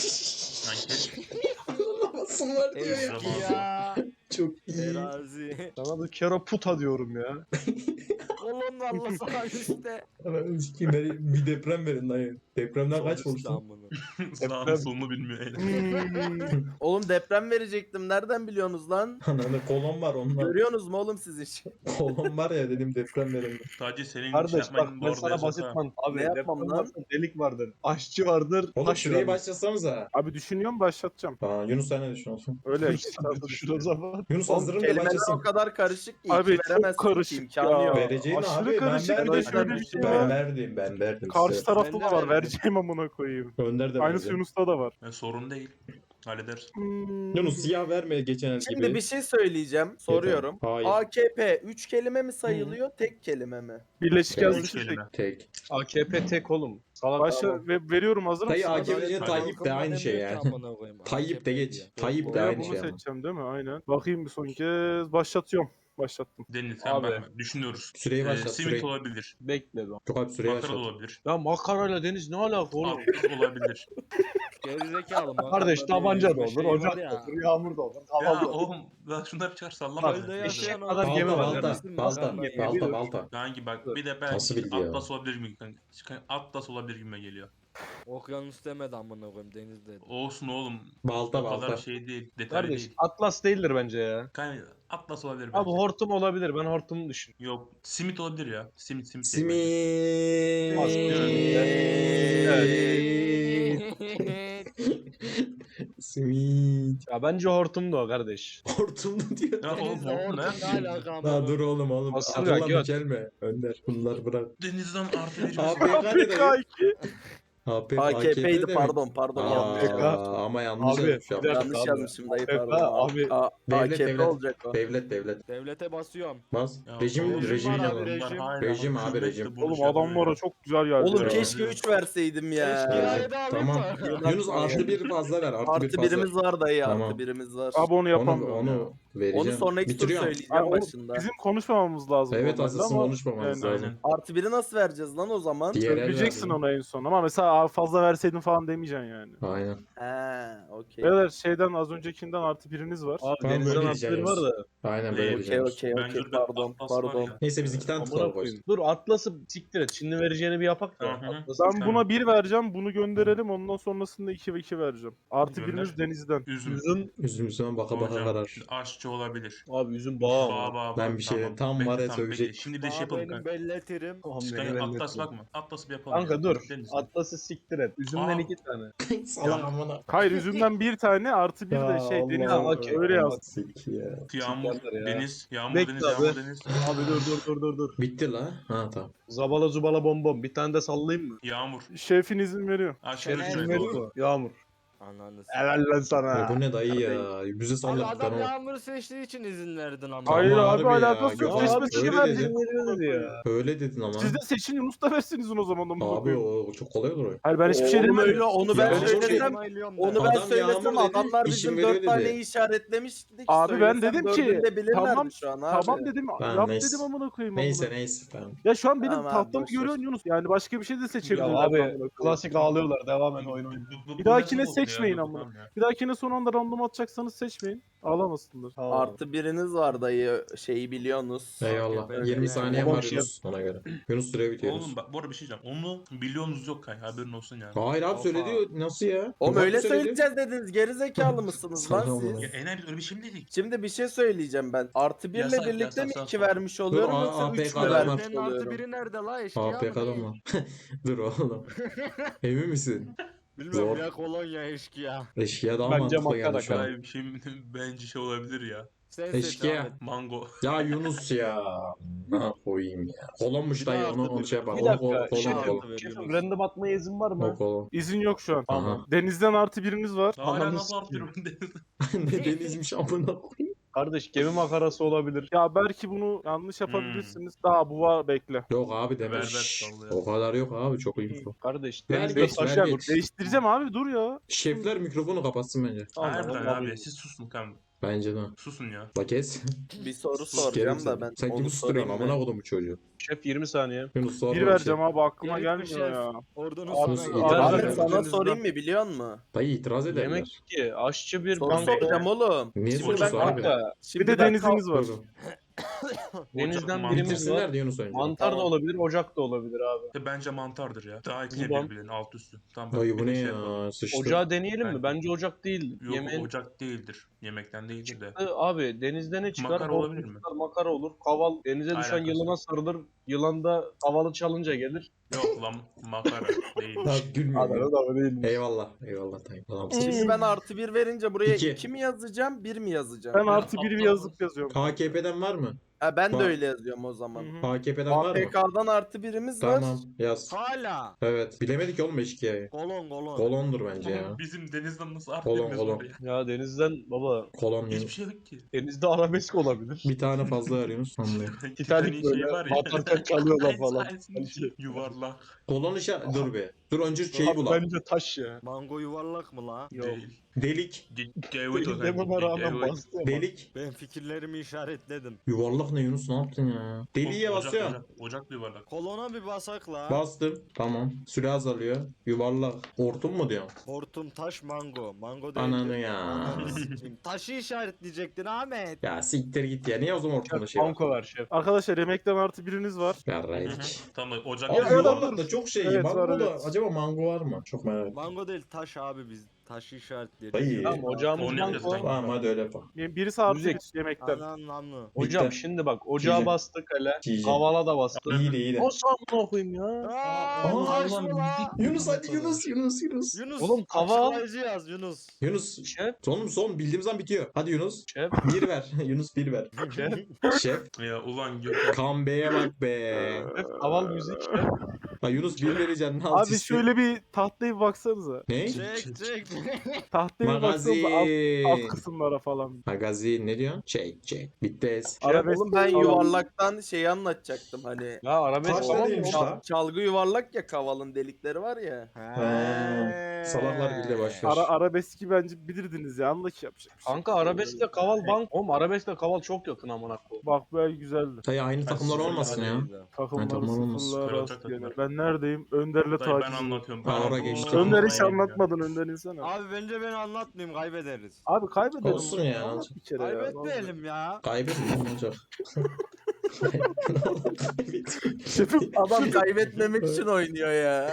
[SPEAKER 5] Anket.
[SPEAKER 2] Anlamasınlar diyor ya.
[SPEAKER 1] Eski ya.
[SPEAKER 2] Çok iyi.
[SPEAKER 1] Terazi.
[SPEAKER 6] Sana da kero puta diyorum ya.
[SPEAKER 1] Kolon valla sana üstte.
[SPEAKER 2] Ananı sikeyim, bir deprem verin dayı. Depremden kaç olsun?
[SPEAKER 5] Sağını solunu bilmiyor eyle.
[SPEAKER 4] Oğlum deprem verecektim. Nereden biliyorsunuz lan?
[SPEAKER 2] Ananı kolon var onlar.
[SPEAKER 4] Görüyorsunuz mu oğlum siz hiç?
[SPEAKER 2] Kolon var ya dedim deprem verin.
[SPEAKER 5] Sadece senin
[SPEAKER 6] Kardeş bak
[SPEAKER 5] yapmayın, bu
[SPEAKER 6] ben
[SPEAKER 5] arada
[SPEAKER 6] sana
[SPEAKER 5] yasak
[SPEAKER 6] basit
[SPEAKER 5] ha.
[SPEAKER 6] man. Abi
[SPEAKER 4] Ne yapmam
[SPEAKER 6] deprem
[SPEAKER 4] lan?
[SPEAKER 6] varsa delik vardır. Aşçı vardır.
[SPEAKER 2] Oğlum
[SPEAKER 6] taş
[SPEAKER 2] şurayı
[SPEAKER 6] vardır.
[SPEAKER 2] başlasanıza.
[SPEAKER 3] Abi düşünüyorum başlatacağım.
[SPEAKER 2] Aa, Yunus sen ne düşünüyorsun?
[SPEAKER 3] Öyle.
[SPEAKER 6] Dur
[SPEAKER 3] iki
[SPEAKER 6] sen
[SPEAKER 3] tarafta
[SPEAKER 6] de düşür
[SPEAKER 3] düşünüyorum.
[SPEAKER 6] o zaman.
[SPEAKER 2] Yunus
[SPEAKER 4] Oğlum
[SPEAKER 2] hazırım da
[SPEAKER 4] kelimeler o
[SPEAKER 2] başlasın.
[SPEAKER 4] kadar karışık ki.
[SPEAKER 3] Abi
[SPEAKER 4] iki
[SPEAKER 3] çok
[SPEAKER 4] veremezsin ki,
[SPEAKER 3] karışık
[SPEAKER 4] imkanı
[SPEAKER 3] ya.
[SPEAKER 4] yok.
[SPEAKER 2] Vereceğin
[SPEAKER 3] Aşırı
[SPEAKER 2] abi
[SPEAKER 3] karışık,
[SPEAKER 2] ben
[SPEAKER 3] bir de
[SPEAKER 2] verdim.
[SPEAKER 3] şöyle bir şey
[SPEAKER 2] Ben
[SPEAKER 3] var.
[SPEAKER 2] verdim
[SPEAKER 3] Karşı
[SPEAKER 2] size.
[SPEAKER 3] tarafta
[SPEAKER 1] Ben
[SPEAKER 3] da
[SPEAKER 1] de
[SPEAKER 3] var.
[SPEAKER 1] verdim.
[SPEAKER 3] Vereceğim amına koyayım.
[SPEAKER 2] Önder de
[SPEAKER 3] Aynısı
[SPEAKER 2] verdi.
[SPEAKER 3] Yunus'ta da var.
[SPEAKER 5] Sorun değil. Hallederiz.
[SPEAKER 2] Yunus siyah verme geçen el
[SPEAKER 4] Şimdi
[SPEAKER 2] gibi.
[SPEAKER 4] bir şey söyleyeceğim. Soruyorum.
[SPEAKER 2] Hayır.
[SPEAKER 4] AKP 3 kelime mi sayılıyor, tek kelime mi?
[SPEAKER 3] Birleşik
[SPEAKER 2] Evet.
[SPEAKER 3] yazılı
[SPEAKER 5] Üç
[SPEAKER 3] şey.
[SPEAKER 5] kelime.
[SPEAKER 2] Tek.
[SPEAKER 6] AKP tek oğlum. Salak
[SPEAKER 3] Başla
[SPEAKER 6] adam.
[SPEAKER 3] veriyorum hazır
[SPEAKER 2] Dayı
[SPEAKER 3] mısın?
[SPEAKER 2] AKP ile Tayyip de aynı şey ya. Tayyip de geç. Tayyip de
[SPEAKER 3] Ben
[SPEAKER 2] aynı
[SPEAKER 3] bunu
[SPEAKER 2] şey ama.
[SPEAKER 3] seçeceğim değil mi? Aynen. Bakayım bir son kez. Başlatıyorum. Başlattım.
[SPEAKER 5] Deniz sen
[SPEAKER 6] Abi.
[SPEAKER 5] bakma. Düşünüyoruz.
[SPEAKER 2] Süreyi başlat
[SPEAKER 5] Simit
[SPEAKER 2] süreyi.
[SPEAKER 5] olabilir.
[SPEAKER 6] Bekle lan.
[SPEAKER 2] Çok abi süreyi
[SPEAKER 5] Makara da
[SPEAKER 2] başlat.
[SPEAKER 5] olabilir.
[SPEAKER 6] Ya makarayla deniz ne alaka oğlum?
[SPEAKER 5] Karpuz olabilir.
[SPEAKER 1] Gerizekalı.
[SPEAKER 6] Kardeş tabanca da olur,
[SPEAKER 1] şey
[SPEAKER 6] ocak da olur, yağmur da olur, hava
[SPEAKER 5] Ya
[SPEAKER 6] da olur.
[SPEAKER 5] oğlum bak şunları bir çıkar sallama.
[SPEAKER 1] Çölde
[SPEAKER 5] beni.
[SPEAKER 1] yaşayan
[SPEAKER 6] kadar
[SPEAKER 1] o-
[SPEAKER 6] gemi var.
[SPEAKER 2] Balta.
[SPEAKER 5] Kanki bak bir de
[SPEAKER 2] Nasıl
[SPEAKER 5] belki
[SPEAKER 2] bildi ya?
[SPEAKER 5] Atlas olabilir mi? Atlas olabilir gibi geliyor.
[SPEAKER 1] Okyanus demedi amına koyayım deniz dedi.
[SPEAKER 5] Olsun oğlum.
[SPEAKER 2] Balta
[SPEAKER 5] O kadar
[SPEAKER 2] balta.
[SPEAKER 5] şey değil. Detay
[SPEAKER 6] Kardeş
[SPEAKER 5] değil.
[SPEAKER 6] Atlas değildir bence ya.
[SPEAKER 5] Kanka Atlas olabilir
[SPEAKER 6] Abi
[SPEAKER 5] bence.
[SPEAKER 6] hortum olabilir. Ben hortumu düşün.
[SPEAKER 5] Yok. Simit olabilir ya. Simit. diye
[SPEAKER 2] Simit. Simit.
[SPEAKER 6] Ya bence hortum da o kardeş.
[SPEAKER 2] Hortumlu diyor.
[SPEAKER 5] bence. Ya oğlum hortum ne yapayım?
[SPEAKER 2] Daha dur oğlum.
[SPEAKER 6] Asıl ya,
[SPEAKER 2] Akılla
[SPEAKER 6] göt.
[SPEAKER 2] gelme. Önder bunları bırak.
[SPEAKER 5] Denizden artı bir
[SPEAKER 2] Abi hadi dayı.
[SPEAKER 3] PK2.
[SPEAKER 4] AKP'ydi
[SPEAKER 2] demek.
[SPEAKER 4] pardon yanlış.
[SPEAKER 2] Aa, ama yanlış
[SPEAKER 6] Abi,
[SPEAKER 2] yazmış
[SPEAKER 6] bir
[SPEAKER 2] ya.
[SPEAKER 6] dakika.
[SPEAKER 4] Yanlış
[SPEAKER 6] abi.
[SPEAKER 4] yazmışım dayı
[SPEAKER 6] AKP
[SPEAKER 4] pardon.
[SPEAKER 6] abi.
[SPEAKER 2] Devlet,
[SPEAKER 4] AKP
[SPEAKER 2] devlet.
[SPEAKER 4] olacak o.
[SPEAKER 2] Devlet.
[SPEAKER 1] Devlete basıyorum.
[SPEAKER 2] Bas.
[SPEAKER 5] Ya
[SPEAKER 2] Rejim
[SPEAKER 5] oğlum,
[SPEAKER 2] rejim
[SPEAKER 1] var
[SPEAKER 2] ya.
[SPEAKER 1] abi, rejim.
[SPEAKER 5] Hayır,
[SPEAKER 2] Rejim
[SPEAKER 5] ama
[SPEAKER 2] abi,
[SPEAKER 5] hükümet
[SPEAKER 2] rejim.
[SPEAKER 5] de bunu
[SPEAKER 3] Oğlum
[SPEAKER 5] şey yapıyor
[SPEAKER 3] adamlara
[SPEAKER 5] ya.
[SPEAKER 3] çok güzel geldi.
[SPEAKER 4] Oğlum
[SPEAKER 3] ya.
[SPEAKER 4] keşke 3 verseydim ya.
[SPEAKER 1] Keşke.
[SPEAKER 2] Tamam.
[SPEAKER 4] Yunus
[SPEAKER 2] Yunus artı bir fazla ver. Artı bir
[SPEAKER 4] Artı
[SPEAKER 2] fazla.
[SPEAKER 4] birimiz var dayı
[SPEAKER 2] Tamam.
[SPEAKER 4] artı birimiz var.
[SPEAKER 3] Abi onu
[SPEAKER 2] Onu,
[SPEAKER 3] yapamıyorum. ya.
[SPEAKER 2] onu Vereceğim.
[SPEAKER 4] Onu sonraki tur
[SPEAKER 2] Bitiriyorum.
[SPEAKER 4] söyleyeceğim
[SPEAKER 3] Abi,
[SPEAKER 4] başında.
[SPEAKER 3] Bizim konuşmamamız lazım.
[SPEAKER 2] Evet
[SPEAKER 3] normalde
[SPEAKER 2] aslında
[SPEAKER 3] ama
[SPEAKER 2] konuşmamamız
[SPEAKER 3] yani-
[SPEAKER 2] lazım.
[SPEAKER 4] Artı biri nasıl vereceğiz lan o zaman?
[SPEAKER 2] Diğer el
[SPEAKER 3] Söyleyeceksin
[SPEAKER 2] verdim.
[SPEAKER 3] ona en son ama mesela abi fazla verseydin falan demeyeceksin yani.
[SPEAKER 2] Aynen.
[SPEAKER 4] He, okey.
[SPEAKER 3] Beyler şeyden az öncekinden artı biriniz var.
[SPEAKER 6] Abi
[SPEAKER 2] Tamam,
[SPEAKER 6] denizden
[SPEAKER 2] böyle
[SPEAKER 6] atları
[SPEAKER 2] diyeceğiz.
[SPEAKER 6] var da.
[SPEAKER 2] Aynen böyle
[SPEAKER 5] Okey,
[SPEAKER 2] diyeceğiz.
[SPEAKER 4] Okey,
[SPEAKER 5] Bence
[SPEAKER 4] okey,
[SPEAKER 5] de
[SPEAKER 4] pardon,
[SPEAKER 5] Atlas var
[SPEAKER 4] pardon.
[SPEAKER 5] ya.
[SPEAKER 2] Neyse biz iki tane
[SPEAKER 6] Amına
[SPEAKER 2] tutalım
[SPEAKER 6] koyayım.
[SPEAKER 2] boys.
[SPEAKER 6] Dur Atlas'ı siktir et. Şimdi vereceğini bir yapak da.
[SPEAKER 5] Hı hı.
[SPEAKER 6] Atlas'ı
[SPEAKER 3] Ben
[SPEAKER 5] Tamam.
[SPEAKER 3] buna 1 vereceğim, bunu gönderelim. Ondan sonrasında 2 ve 2 vereceğim. Artı
[SPEAKER 5] Gönder.
[SPEAKER 3] biriniz denizden.
[SPEAKER 5] Üzüm.
[SPEAKER 6] üzüm.
[SPEAKER 2] Üzümüzden baka baka
[SPEAKER 5] Hocam,
[SPEAKER 2] karar.
[SPEAKER 5] aşçı olabilir.
[SPEAKER 6] Abi üzüm bağı
[SPEAKER 5] Bağ
[SPEAKER 6] ama.
[SPEAKER 5] bağ
[SPEAKER 2] Ben
[SPEAKER 5] bağ,
[SPEAKER 2] bir şey
[SPEAKER 5] tamam.
[SPEAKER 2] tam
[SPEAKER 5] Bekle,
[SPEAKER 2] var ya
[SPEAKER 5] tamam,
[SPEAKER 2] söyleyecek.
[SPEAKER 5] bekle. Şimdi bir de şey
[SPEAKER 1] Daha
[SPEAKER 5] yapalım
[SPEAKER 1] benim
[SPEAKER 5] kanka.
[SPEAKER 1] belletirim.
[SPEAKER 6] Tamam,
[SPEAKER 5] Sky
[SPEAKER 6] beni belli
[SPEAKER 5] Atlas
[SPEAKER 6] etme.
[SPEAKER 5] bakma. Atlas'ı bir yapalım
[SPEAKER 6] Kanka
[SPEAKER 5] ya.
[SPEAKER 6] dur.
[SPEAKER 5] Deniz.
[SPEAKER 6] Atlas'ı siktir et. Üzümden
[SPEAKER 5] Aa.
[SPEAKER 6] 2 tane.
[SPEAKER 2] Salak amına.
[SPEAKER 3] Hayır üzümden bir tane artı bir
[SPEAKER 2] Ya
[SPEAKER 3] de şey
[SPEAKER 2] Allah
[SPEAKER 3] deniz.
[SPEAKER 6] Allah. Okey.
[SPEAKER 3] Öyle yaz.
[SPEAKER 2] Sik ya.
[SPEAKER 5] Yağmur,
[SPEAKER 6] Sikerler ya.
[SPEAKER 5] deniz, yağmur,
[SPEAKER 6] Bekle
[SPEAKER 5] deniz,
[SPEAKER 6] abi.
[SPEAKER 5] yağmur, deniz.
[SPEAKER 6] Abi dur.
[SPEAKER 2] Bitti la. Ha tamam.
[SPEAKER 6] Zabala zubala bom bom. Bir tane de sallayayım mı?
[SPEAKER 5] Yağmur.
[SPEAKER 3] Şefin izin veriyor.
[SPEAKER 5] Aşırı
[SPEAKER 1] Şener
[SPEAKER 6] İzin
[SPEAKER 5] ücret
[SPEAKER 6] veriyor
[SPEAKER 5] olur.
[SPEAKER 6] mu? Yağmur.
[SPEAKER 1] Ananı s-
[SPEAKER 6] Helal lan sana.
[SPEAKER 2] Ya bu ne dayı ya. Bize
[SPEAKER 1] Abi
[SPEAKER 2] salladık
[SPEAKER 1] adam
[SPEAKER 2] lan o.
[SPEAKER 1] yağmuru seçtiği için izin verdin ama.
[SPEAKER 3] Hayır
[SPEAKER 2] Ama
[SPEAKER 3] abi,
[SPEAKER 2] harbi ya,
[SPEAKER 3] alakası yok.
[SPEAKER 2] Gökhan
[SPEAKER 3] Seçme
[SPEAKER 2] abi
[SPEAKER 3] seçme
[SPEAKER 2] öyle
[SPEAKER 3] verdi.
[SPEAKER 2] dedi.
[SPEAKER 6] Veriyordu ya.
[SPEAKER 2] Öyle dedin ama.
[SPEAKER 3] Siz de seçin Yunus da versin izin o zaman. amına
[SPEAKER 2] Abi
[SPEAKER 3] koyayım.
[SPEAKER 2] o çok kolay olur o.
[SPEAKER 3] Hayır ben hiçbir şey
[SPEAKER 4] Oğlum
[SPEAKER 3] demedim.
[SPEAKER 4] öyle onu ben
[SPEAKER 2] Yağmur
[SPEAKER 4] söylesem
[SPEAKER 1] Onaylıyorum
[SPEAKER 4] onu
[SPEAKER 1] ben.
[SPEAKER 4] ben
[SPEAKER 2] Adam
[SPEAKER 4] söylesem
[SPEAKER 2] Yağmur dedi,
[SPEAKER 4] adamlar
[SPEAKER 2] işin
[SPEAKER 4] bizim
[SPEAKER 2] veriyor
[SPEAKER 4] 4 tane
[SPEAKER 2] dedi.
[SPEAKER 4] işaretlemiştik.
[SPEAKER 3] Abi ben
[SPEAKER 4] Söylesem
[SPEAKER 3] dedim ki,
[SPEAKER 4] dördünü de bilirlerdi
[SPEAKER 3] tamam,
[SPEAKER 4] şu an abi.
[SPEAKER 3] Tamam dedim.
[SPEAKER 2] Ben
[SPEAKER 3] Yap
[SPEAKER 2] neyse.
[SPEAKER 3] dedim amına koyayım.
[SPEAKER 2] Neyse
[SPEAKER 3] amına.
[SPEAKER 2] neyse tamam.
[SPEAKER 3] Ya şu an benim
[SPEAKER 4] Tamam abi,
[SPEAKER 3] tahtamı
[SPEAKER 4] boş ver.
[SPEAKER 3] görüyorsun Yunus. Yani başka bir şey de
[SPEAKER 6] Ya
[SPEAKER 3] seçebilirler.
[SPEAKER 6] abi klasik ağlıyorlar. Devam et oyun.
[SPEAKER 3] Bir dahakine
[SPEAKER 5] nasıl oldu ya?
[SPEAKER 3] seçmeyin
[SPEAKER 5] Dur
[SPEAKER 3] amına.
[SPEAKER 5] bakalım ya.
[SPEAKER 3] Bir dahakine son anda random atacaksanız seçmeyin. Ağlamasınlar.
[SPEAKER 4] Artı biriniz var dayı şeyi biliyorsunuz.
[SPEAKER 2] Eyvallah.
[SPEAKER 1] ben-
[SPEAKER 2] 20 saniye
[SPEAKER 6] Babam
[SPEAKER 2] var
[SPEAKER 6] şey-
[SPEAKER 2] Yunus ona göre. Yunus süre bitiyoruz.
[SPEAKER 5] Oğlum bak bu arada bir şey diyeceğim. Onu milyonunuz yok kay haberin olsun yani.
[SPEAKER 2] Hayır abi
[SPEAKER 1] Oha.
[SPEAKER 2] söyledi nasıl ya?
[SPEAKER 4] Oğlum
[SPEAKER 2] Gökhan
[SPEAKER 4] öyle
[SPEAKER 2] söyledi.
[SPEAKER 4] söyleyeceğiz dediniz. Geri zekalı mısınız lan
[SPEAKER 2] Sana
[SPEAKER 4] siz?
[SPEAKER 2] oğlum.
[SPEAKER 5] Ya Ener öyle bir şey mi dedik?
[SPEAKER 4] Şimdi bir şey söyleyeceğim ben. Artı birle
[SPEAKER 5] Yasak,
[SPEAKER 4] birlikte
[SPEAKER 5] yasak,
[SPEAKER 4] mi
[SPEAKER 5] yasak.
[SPEAKER 4] 2 vermiş oluyorum
[SPEAKER 2] Dur,
[SPEAKER 4] yoksa 3
[SPEAKER 2] APK
[SPEAKER 4] mü
[SPEAKER 2] adam
[SPEAKER 4] vermiş
[SPEAKER 2] var.
[SPEAKER 1] Senin artı
[SPEAKER 4] oluyorum?
[SPEAKER 1] biri nerede la eşkıya
[SPEAKER 2] APK
[SPEAKER 1] mı?
[SPEAKER 2] adam mı? Dur oğlum. Emin misin?
[SPEAKER 1] Bilmiyorum
[SPEAKER 2] Zor.
[SPEAKER 1] ya kolonya eşkıya.
[SPEAKER 2] Eşkıya daha
[SPEAKER 6] Bence
[SPEAKER 2] mantıklı
[SPEAKER 6] makara
[SPEAKER 2] geldi şu an.
[SPEAKER 5] Hayır bir şey bence şey olabilir ya.
[SPEAKER 1] Sen
[SPEAKER 2] Eşkıya.
[SPEAKER 1] seç Ahmet.
[SPEAKER 5] Mango.
[SPEAKER 2] Ya Yunus ya. Ne koyayım ya. Kolonmuş
[SPEAKER 1] Bir
[SPEAKER 2] dayı
[SPEAKER 1] daha
[SPEAKER 2] onu
[SPEAKER 1] artı
[SPEAKER 2] şey
[SPEAKER 1] bir.
[SPEAKER 2] yapar.
[SPEAKER 6] Bir
[SPEAKER 2] Onu
[SPEAKER 6] dakika.
[SPEAKER 2] kolon
[SPEAKER 6] Şey,
[SPEAKER 2] kolon.
[SPEAKER 6] şefim random atmaya izin var
[SPEAKER 2] O
[SPEAKER 6] mı?
[SPEAKER 2] kolon.
[SPEAKER 3] İzin yok şu an.
[SPEAKER 2] Aha.
[SPEAKER 3] Denizden artı biriniz var.
[SPEAKER 5] Hala
[SPEAKER 6] Ananı
[SPEAKER 5] nasıl
[SPEAKER 6] sikeyim.
[SPEAKER 5] artırıyor?
[SPEAKER 2] Ne denizmiş amına koyayım.
[SPEAKER 6] Kardeş gemi makarası olabilir.
[SPEAKER 3] Ya belki bunu yanlış yapabilirsiniz. Daha bu var bekle.
[SPEAKER 2] Yok abi
[SPEAKER 5] Ver,
[SPEAKER 2] demiş.
[SPEAKER 5] sallıyor.
[SPEAKER 2] O kadar yok abi çok iyi.
[SPEAKER 6] Kardeş
[SPEAKER 2] Ver
[SPEAKER 6] denizde
[SPEAKER 2] geç,
[SPEAKER 6] taş
[SPEAKER 2] ver
[SPEAKER 6] olur.
[SPEAKER 2] geç.
[SPEAKER 3] Değiştireceğim abi dur ya.
[SPEAKER 2] Şefler mikrofonu kapatsın bence.
[SPEAKER 5] Harbiden
[SPEAKER 6] Tamam,
[SPEAKER 5] abi siz susun kanka.
[SPEAKER 2] Bence de.
[SPEAKER 5] Susun ya.
[SPEAKER 2] La kes.
[SPEAKER 4] Bir soru
[SPEAKER 2] Sikerim
[SPEAKER 4] soracağım
[SPEAKER 2] seni.
[SPEAKER 4] da ben
[SPEAKER 2] Sen kimi
[SPEAKER 4] onu
[SPEAKER 2] susturuyorsun
[SPEAKER 4] sorayım
[SPEAKER 2] amına
[SPEAKER 4] mı?
[SPEAKER 2] kodum bu çocuğu.
[SPEAKER 6] Şef 20 saniye.
[SPEAKER 2] Yunus sor.
[SPEAKER 3] Bir vereceğim abi aklıma
[SPEAKER 1] Yemek
[SPEAKER 3] gelmiyor
[SPEAKER 1] şef.
[SPEAKER 3] ya.
[SPEAKER 1] Ordunun
[SPEAKER 6] Abi,
[SPEAKER 1] sana.
[SPEAKER 2] itiraz
[SPEAKER 4] Ahmet
[SPEAKER 2] ederler.
[SPEAKER 4] sana sorayım mı biliyor musun?
[SPEAKER 2] Dayı itiraz ederler.
[SPEAKER 6] Yemek ki aşçı bir
[SPEAKER 4] Soru
[SPEAKER 6] banka.
[SPEAKER 4] soracağım oğlum.
[SPEAKER 2] Niye
[SPEAKER 4] Şimdi
[SPEAKER 2] sorusu
[SPEAKER 4] ben
[SPEAKER 2] abi?
[SPEAKER 6] Kanka
[SPEAKER 4] Şimdi
[SPEAKER 3] Bir de
[SPEAKER 4] ben
[SPEAKER 3] denizimiz var.
[SPEAKER 2] Buyurun.
[SPEAKER 6] denizden
[SPEAKER 5] Ocak-
[SPEAKER 6] birimiz var.
[SPEAKER 2] Bitirsinler de Yunus önce.
[SPEAKER 6] Mantar da
[SPEAKER 4] Tamam.
[SPEAKER 6] olabilir, ocak da olabilir abi.
[SPEAKER 5] Bence mantardır ya. Daha ikili
[SPEAKER 6] Tamam.
[SPEAKER 5] birbirinin alt üstü. Tamam.
[SPEAKER 2] Dayı bu
[SPEAKER 5] bir
[SPEAKER 2] ne
[SPEAKER 5] şey yapalım.
[SPEAKER 2] ya? Sıçtı.
[SPEAKER 6] Ocağı deneyelim
[SPEAKER 5] Ben-
[SPEAKER 6] mi? Bence ocak değil.
[SPEAKER 5] Yok
[SPEAKER 6] Yemeğin
[SPEAKER 5] ocak değildir. Yemekten değildir de.
[SPEAKER 6] Abi denizde ne çıkar?
[SPEAKER 5] Makara
[SPEAKER 6] Hortum
[SPEAKER 5] olabilir mi?
[SPEAKER 6] çıkar, makara olur. Kaval denize düşen
[SPEAKER 5] Alakası
[SPEAKER 6] yılana
[SPEAKER 5] yok.
[SPEAKER 6] sarılır. Yılan da kavalı çalınca gelir.
[SPEAKER 5] Yok lan makara değil.
[SPEAKER 2] Lan gülmüyor.
[SPEAKER 6] da değil.
[SPEAKER 2] Eyvallah. Eyvallah dayı. Adamsın.
[SPEAKER 4] Şimdi ben artı 1 verince buraya
[SPEAKER 2] İki.
[SPEAKER 4] 2 mi yazacağım 1 mi yazacağım?
[SPEAKER 3] Ben artı bir
[SPEAKER 5] Aptal
[SPEAKER 3] yazıp yazıyorum.
[SPEAKER 2] KKP'den var mı?
[SPEAKER 4] Ha, ben de
[SPEAKER 2] Var.
[SPEAKER 4] öyle yazıyorum o zaman.
[SPEAKER 3] Hı hı.
[SPEAKER 2] KKP'den var mı?
[SPEAKER 4] APK'dan artı birimiz var.
[SPEAKER 2] Tamam yaz.
[SPEAKER 1] Hala.
[SPEAKER 2] Evet. Bilemedik oğlum eşkıyayı.
[SPEAKER 1] Kolon kolon.
[SPEAKER 2] Kolondur bence ya.
[SPEAKER 5] Bizim denizden nasıl
[SPEAKER 2] Kolon,
[SPEAKER 5] artırmıyoruz
[SPEAKER 2] kolon.
[SPEAKER 5] oraya?
[SPEAKER 6] Ya denizden baba
[SPEAKER 2] Kolon
[SPEAKER 5] Hiçbir
[SPEAKER 2] Yunus.
[SPEAKER 5] şey yok ki.
[SPEAKER 6] denizde arabesk olabilir.
[SPEAKER 2] Bir tane fazla var Yunus. Anlıyorum.
[SPEAKER 6] Titanic böyle batarken çalıyorlar falan.
[SPEAKER 5] Yuvarlak
[SPEAKER 2] Kolon işe... Dur be. Dur önce şeyi
[SPEAKER 6] Abi
[SPEAKER 2] bulalım.
[SPEAKER 6] bence taş ya.
[SPEAKER 1] Mango yuvarlak mı la?
[SPEAKER 6] Yok.
[SPEAKER 5] değil.
[SPEAKER 2] Delik.
[SPEAKER 6] Dememe rağmen bastı ama.
[SPEAKER 2] Delik.
[SPEAKER 1] Ben fikirlerimi işaretledim.
[SPEAKER 2] Yuvarlak ne Yunus ne yaptın ya? Deliğe basıyorum.
[SPEAKER 5] Ocak yuvarlak.
[SPEAKER 1] Kolona bir basak la.
[SPEAKER 2] Bastım. Tamam. Süre azalıyor. Yuvarlak. Hortum mu diyorsun?
[SPEAKER 1] Hortum taş mango. Mango değil.
[SPEAKER 2] Ananı ya.
[SPEAKER 1] Ananı sikeyim. Taşı işaretleyecektin Ahmet.
[SPEAKER 2] Ya siktir git ya. Niye o zaman hortumda şey var?
[SPEAKER 6] Banko ver şef.
[SPEAKER 3] Arkadaşlar yemekten artı biriniz var.
[SPEAKER 2] Yarraydık.
[SPEAKER 5] Tamam ocak
[SPEAKER 2] Abi
[SPEAKER 3] evet,
[SPEAKER 2] yuvarlak da çok şey.
[SPEAKER 3] evet,
[SPEAKER 2] mango
[SPEAKER 3] var,
[SPEAKER 2] da.
[SPEAKER 3] evet.
[SPEAKER 2] Acaba mango var mı? Çok merak ettim.
[SPEAKER 1] Mango değil taş abi biz. Taşı işaretleyelim.
[SPEAKER 2] Ay.
[SPEAKER 6] Tamam ocağımız
[SPEAKER 5] Onu
[SPEAKER 6] banko.
[SPEAKER 5] yapacağız.
[SPEAKER 2] Tamam hadi öyle yapalım.
[SPEAKER 3] Birisi artı
[SPEAKER 6] Müzik.
[SPEAKER 3] bir yemekten.
[SPEAKER 1] Anan namlı.
[SPEAKER 6] Hocam
[SPEAKER 2] Bitti.
[SPEAKER 6] şimdi bak ocağa
[SPEAKER 2] Yiyeceğim.
[SPEAKER 6] bastık hele.
[SPEAKER 2] Yiyeceğim.
[SPEAKER 6] Kavala da bastık.
[SPEAKER 2] İyi de iyi de.
[SPEAKER 6] Nasıl amına koyayım ya?
[SPEAKER 1] Aa, taş mı la?
[SPEAKER 2] Yunus hadi Yunus.
[SPEAKER 1] Yunus.
[SPEAKER 6] Oğlum, kava-
[SPEAKER 1] açıklayıcı yaz Yunus.
[SPEAKER 2] Yunus.
[SPEAKER 6] Şef,
[SPEAKER 2] Son bildiğimiz an bitiyor. Hadi Yunus.
[SPEAKER 6] şef,
[SPEAKER 2] Bir ver. Yunus bir ver.
[SPEAKER 6] şef.
[SPEAKER 2] Şef.
[SPEAKER 5] Ya ulan Gökhan.
[SPEAKER 2] Kan B'ye bak be.
[SPEAKER 6] Şef, kaval müzik şef.
[SPEAKER 2] Ha Yunus bir vereceksin. Al
[SPEAKER 3] Abi
[SPEAKER 2] çizgi.
[SPEAKER 3] şöyle bir tahtaya bir baksanıza.
[SPEAKER 2] Ne?
[SPEAKER 1] Çek çek.
[SPEAKER 3] Tahtaya bir baksanıza alt
[SPEAKER 2] Magazin.
[SPEAKER 3] kısımlara falan.
[SPEAKER 2] Magazin ne diyorsun? Çek. Bitti.
[SPEAKER 3] Arabesk
[SPEAKER 4] Oğlum ben
[SPEAKER 3] falan.
[SPEAKER 4] yuvarlaktan şeyi anlatacaktım hani.
[SPEAKER 6] Ya arabesk
[SPEAKER 2] Kaç
[SPEAKER 6] tamam mı?
[SPEAKER 2] taneymiş la?
[SPEAKER 4] Çalgı yuvarlak ya, kavalın delikleri var ya.
[SPEAKER 2] Salaklar bile başlar.
[SPEAKER 3] Arabeski bence bilirdiniz ya. Anla ki yapacak bir şey.
[SPEAKER 6] Kanka arabeskle kaval bank. Oğlum arabeskle kaval çok yakın amına koyayım.
[SPEAKER 3] Bak böyle güzeldi.
[SPEAKER 2] Dayı aynı takımlar
[SPEAKER 5] sıfırlar
[SPEAKER 2] olmasın ya.
[SPEAKER 3] Takımlar
[SPEAKER 2] tamam, olmaz.
[SPEAKER 3] sıfırlar
[SPEAKER 5] Kral
[SPEAKER 3] rast
[SPEAKER 5] takımlar.
[SPEAKER 3] gelir. Ben neredeyim? Önder'le
[SPEAKER 5] Dayı ben
[SPEAKER 3] taciz.
[SPEAKER 5] anlatıyorum.
[SPEAKER 2] Ha, oraya
[SPEAKER 5] Ben
[SPEAKER 2] geçti.
[SPEAKER 3] Önder hiç
[SPEAKER 5] Aynen ya.
[SPEAKER 3] anlatmadın Önder insana.
[SPEAKER 1] Abi bence ben anlatmayayım kaybederiz.
[SPEAKER 3] Abi kaybedelim.
[SPEAKER 2] Olsun ya.
[SPEAKER 3] Anlat bir kere ya.
[SPEAKER 1] Kaybetmeyelim ya.
[SPEAKER 2] Kaybetmeyeyim olacak.
[SPEAKER 3] Şefim
[SPEAKER 4] Adam kaybetmemek için oynuyor ya.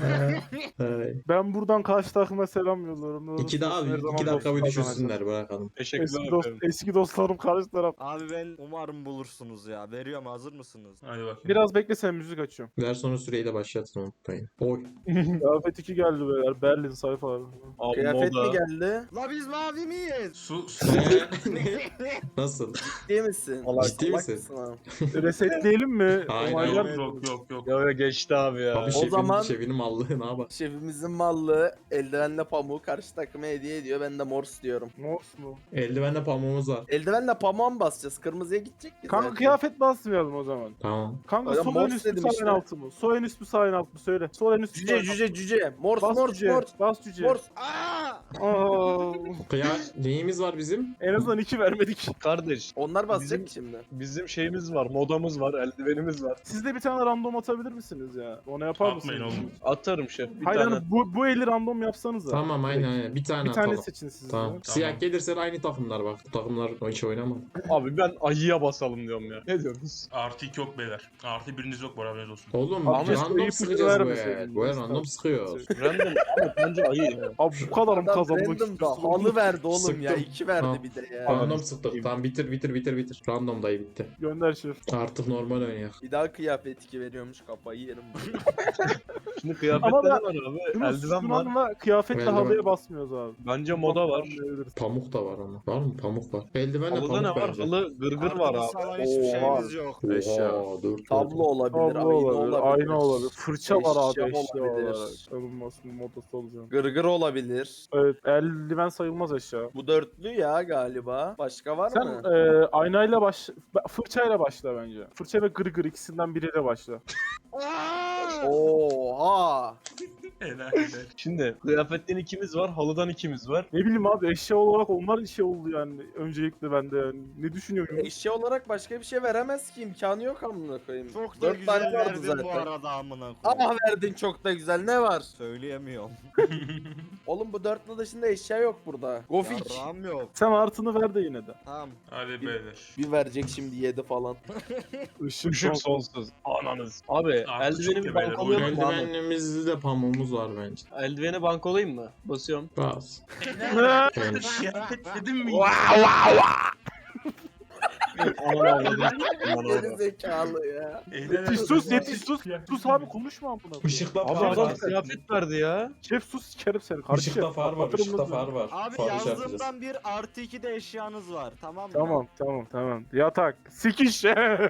[SPEAKER 2] Ay.
[SPEAKER 3] ben buradan karşı takıma selam yolluyorum. Ne
[SPEAKER 2] İki daha
[SPEAKER 3] olursa her zaman
[SPEAKER 2] 2 dakika bir
[SPEAKER 3] dostluk
[SPEAKER 2] düşünsünler bırakalım.
[SPEAKER 6] Teşekkürler efendim.
[SPEAKER 3] Eski dostlarım karşı taraf.
[SPEAKER 1] Abi ben umarım bulursunuz ya. Veriyorum, hazır mısınız?
[SPEAKER 5] Hadi bakayım.
[SPEAKER 3] Biraz bekle sen müzik açıyorum.
[SPEAKER 2] Ver sonra süreyi de başlatın unutmayın. Oy.
[SPEAKER 3] Kıyafet 2 geldi beyler. Berlin sayfaları.
[SPEAKER 6] Abi
[SPEAKER 4] Kıyafet mi
[SPEAKER 6] moda.
[SPEAKER 4] geldi?
[SPEAKER 1] La biz mavi miyiz?
[SPEAKER 5] Su
[SPEAKER 2] Nasıl?
[SPEAKER 4] Ciddi misin?
[SPEAKER 2] Ciddi
[SPEAKER 4] Salak
[SPEAKER 2] misin?
[SPEAKER 4] mısın abi?
[SPEAKER 3] Resetleyelim mi?
[SPEAKER 2] Hayır,
[SPEAKER 3] Onaylar
[SPEAKER 2] hayır.
[SPEAKER 3] mı?
[SPEAKER 5] yok.
[SPEAKER 6] Ya geçti abi ya.
[SPEAKER 2] Abi
[SPEAKER 4] O zaman-
[SPEAKER 2] şefinin mallığına bak.
[SPEAKER 4] Şefimizin mallı eldivenle pamuğu karşı takıma hediye ediyor. Ben de mors diyorum.
[SPEAKER 3] Morse mu?
[SPEAKER 2] Eldivenle pamuğumuz var.
[SPEAKER 4] Eldivenle pamuğa mı basacağız? Kırmızıya gidecek ki
[SPEAKER 3] Kanka
[SPEAKER 4] zaten.
[SPEAKER 3] kıyafet basmayalım o zaman.
[SPEAKER 2] Tamam.
[SPEAKER 3] Kanka
[SPEAKER 4] Öyle
[SPEAKER 3] sol
[SPEAKER 4] morse
[SPEAKER 3] en üst mü
[SPEAKER 4] dedim
[SPEAKER 3] sağ en
[SPEAKER 4] işte.
[SPEAKER 3] altı mı? Sol en üst mü sağ en alt mı? Söyle. Sol en üst mü sağ en
[SPEAKER 4] Cüce
[SPEAKER 3] alt mı?
[SPEAKER 4] cüce. Mors
[SPEAKER 3] Bas
[SPEAKER 4] mors
[SPEAKER 3] cüce.
[SPEAKER 4] mors.
[SPEAKER 3] Bas cüce.
[SPEAKER 4] Mors.
[SPEAKER 1] Aa!
[SPEAKER 3] Aa,
[SPEAKER 2] Neyimiz var bizim?
[SPEAKER 3] en azından 2 vermedik.
[SPEAKER 6] Kardeş
[SPEAKER 4] Onlar basacak
[SPEAKER 6] Bizim-
[SPEAKER 4] ki şimdi.
[SPEAKER 6] bizim şeyimiz var, modamız var, eldivenimiz var.
[SPEAKER 3] Siz de bir tane random atabilir misiniz ya? Onu yapar mısınız?
[SPEAKER 5] Atmayın oğlum.
[SPEAKER 6] Atarım şef bir
[SPEAKER 3] Hayır
[SPEAKER 6] tane.
[SPEAKER 3] hani bu eli random yapsanız da.
[SPEAKER 2] Tamam aynen. Bir tane
[SPEAKER 3] Bir tane
[SPEAKER 2] atalım.
[SPEAKER 3] seçin siz.
[SPEAKER 2] Tamam.
[SPEAKER 3] de.
[SPEAKER 2] Siyah gelirse de aynı takımlar bak. Bu takımlar o hiç oynamaz.
[SPEAKER 6] Abi ben ayıya basalım diyorum ya. Ne diyorsunuz?
[SPEAKER 5] Artı 2 yok beyler. Artı biriniz yok, bu haberiniz olsun.
[SPEAKER 2] Oğlum
[SPEAKER 3] Abi işte
[SPEAKER 2] random
[SPEAKER 3] ipucu
[SPEAKER 2] sıkacağız bu
[SPEAKER 3] vermeseydin.
[SPEAKER 2] el. Bu el random sıkıyor.
[SPEAKER 6] Random ama bence ayı ya.
[SPEAKER 3] Abi bu kadar mı
[SPEAKER 4] Adam
[SPEAKER 3] kazanmak
[SPEAKER 4] random da
[SPEAKER 3] istiyorsun?
[SPEAKER 4] halı verdi oğlum ya.
[SPEAKER 2] Sıktım.
[SPEAKER 4] 2 verdi
[SPEAKER 2] Tamam.
[SPEAKER 4] bir de ya.
[SPEAKER 2] Random sıktık. Tamam bitir. Random dayı bitti.
[SPEAKER 3] Gönder şef.
[SPEAKER 2] Artık normal oynayak.
[SPEAKER 4] Bir daha kıyafet 2 veriyormuş, kafayı yerim.
[SPEAKER 6] Şimdi kıyafette
[SPEAKER 3] Ama
[SPEAKER 6] ne
[SPEAKER 3] ben-
[SPEAKER 6] var abi? Eldiven var.
[SPEAKER 3] Şununla kıyafetle
[SPEAKER 2] Eldiven.
[SPEAKER 3] halıya basmıyoruz abi.
[SPEAKER 6] Bence moda var.
[SPEAKER 3] Anlayabiliriz.
[SPEAKER 2] Pamuk da var ama. Var mı? Pamuk var. Eldivenle
[SPEAKER 6] Halıda ne
[SPEAKER 2] pamuk
[SPEAKER 6] var?
[SPEAKER 2] bence.
[SPEAKER 6] Halı gırgır var
[SPEAKER 1] Arkada
[SPEAKER 6] abi.
[SPEAKER 1] salan hiçbir
[SPEAKER 4] Oha.
[SPEAKER 1] şeyimiz yok.
[SPEAKER 2] Oha dur.
[SPEAKER 4] Tablo olabilir,
[SPEAKER 3] Tablo
[SPEAKER 4] ayna
[SPEAKER 3] olabilir,
[SPEAKER 4] olabilir.
[SPEAKER 3] ayna olabilir. Fırça var abi
[SPEAKER 4] Eşya
[SPEAKER 3] eşya
[SPEAKER 4] olabilir.
[SPEAKER 3] olarak. Alınmasının modası olacak.
[SPEAKER 4] Gırgır olabilir.
[SPEAKER 3] Evet, eldiven sayılmaz eşya.
[SPEAKER 4] Bu dörtlü ya galiba. Başka var
[SPEAKER 3] Sen
[SPEAKER 4] mı?
[SPEAKER 3] aynayla fırçayla başla bence. Fırça ve gırgır ikisinden biriyle başla.
[SPEAKER 4] Oha!
[SPEAKER 5] Helal.
[SPEAKER 6] Şimdi kıyafetten ikimiz var, halıdan ikimiz var.
[SPEAKER 3] Ne bileyim abi eşya olarak onlar şey oldu yani. Öncelikle bende yani. Ne düşünüyorsun?
[SPEAKER 4] Eşya olarak başka bir şey veremez ki, imkanı yok amına koyayım.
[SPEAKER 1] Çok da
[SPEAKER 4] 4 tane
[SPEAKER 1] güzel
[SPEAKER 4] vardı
[SPEAKER 1] verdin
[SPEAKER 4] zaten.
[SPEAKER 1] bu arada amına koyayım.
[SPEAKER 4] Ah verdin, çok da güzel, ne var?
[SPEAKER 1] Söyleyemiyorum.
[SPEAKER 4] Oğlum bu dörtlü dışında eşya yok burada. Gofik.
[SPEAKER 1] Yarrağım yok.
[SPEAKER 3] Sen artıını ver de yine de.
[SPEAKER 1] Tamam.
[SPEAKER 5] Hadi beyler.
[SPEAKER 4] Bir verecek şimdi 7 falan.
[SPEAKER 3] Işık,
[SPEAKER 6] Işık
[SPEAKER 3] son.
[SPEAKER 6] sonsuz. Ananız. Abi
[SPEAKER 5] Artık
[SPEAKER 6] eldiveni
[SPEAKER 5] çok
[SPEAKER 6] bir
[SPEAKER 5] temeller,
[SPEAKER 6] bankolayalım mı Ahmet?
[SPEAKER 2] Eldivenimizde de pamuğumuz var bence.
[SPEAKER 6] Eldiveni bankolayayım mı? Basıyorum.
[SPEAKER 2] Bas.
[SPEAKER 5] Kıyafet dedim mi?
[SPEAKER 6] Ananı avladım.
[SPEAKER 4] Geri zekalı ya.
[SPEAKER 3] Yetiş sus yetiş sus. Sus abi konuşma amına koyayım.
[SPEAKER 2] Işıkta
[SPEAKER 6] Abi
[SPEAKER 2] far
[SPEAKER 6] adam
[SPEAKER 2] var.
[SPEAKER 6] kıyafet verdi ya.
[SPEAKER 3] Şef sus sikerim seni. Karşı
[SPEAKER 2] Işıkta
[SPEAKER 3] şef.
[SPEAKER 2] far var.
[SPEAKER 3] Kapatırım
[SPEAKER 2] Işıkta
[SPEAKER 3] bunu.
[SPEAKER 2] far var.
[SPEAKER 1] Abi
[SPEAKER 2] Farı şey yapacağız.
[SPEAKER 1] yazdığımdan bir artı 2 de eşyanız var. Tamam mı?
[SPEAKER 3] Tamam. Yatak. Sikiş.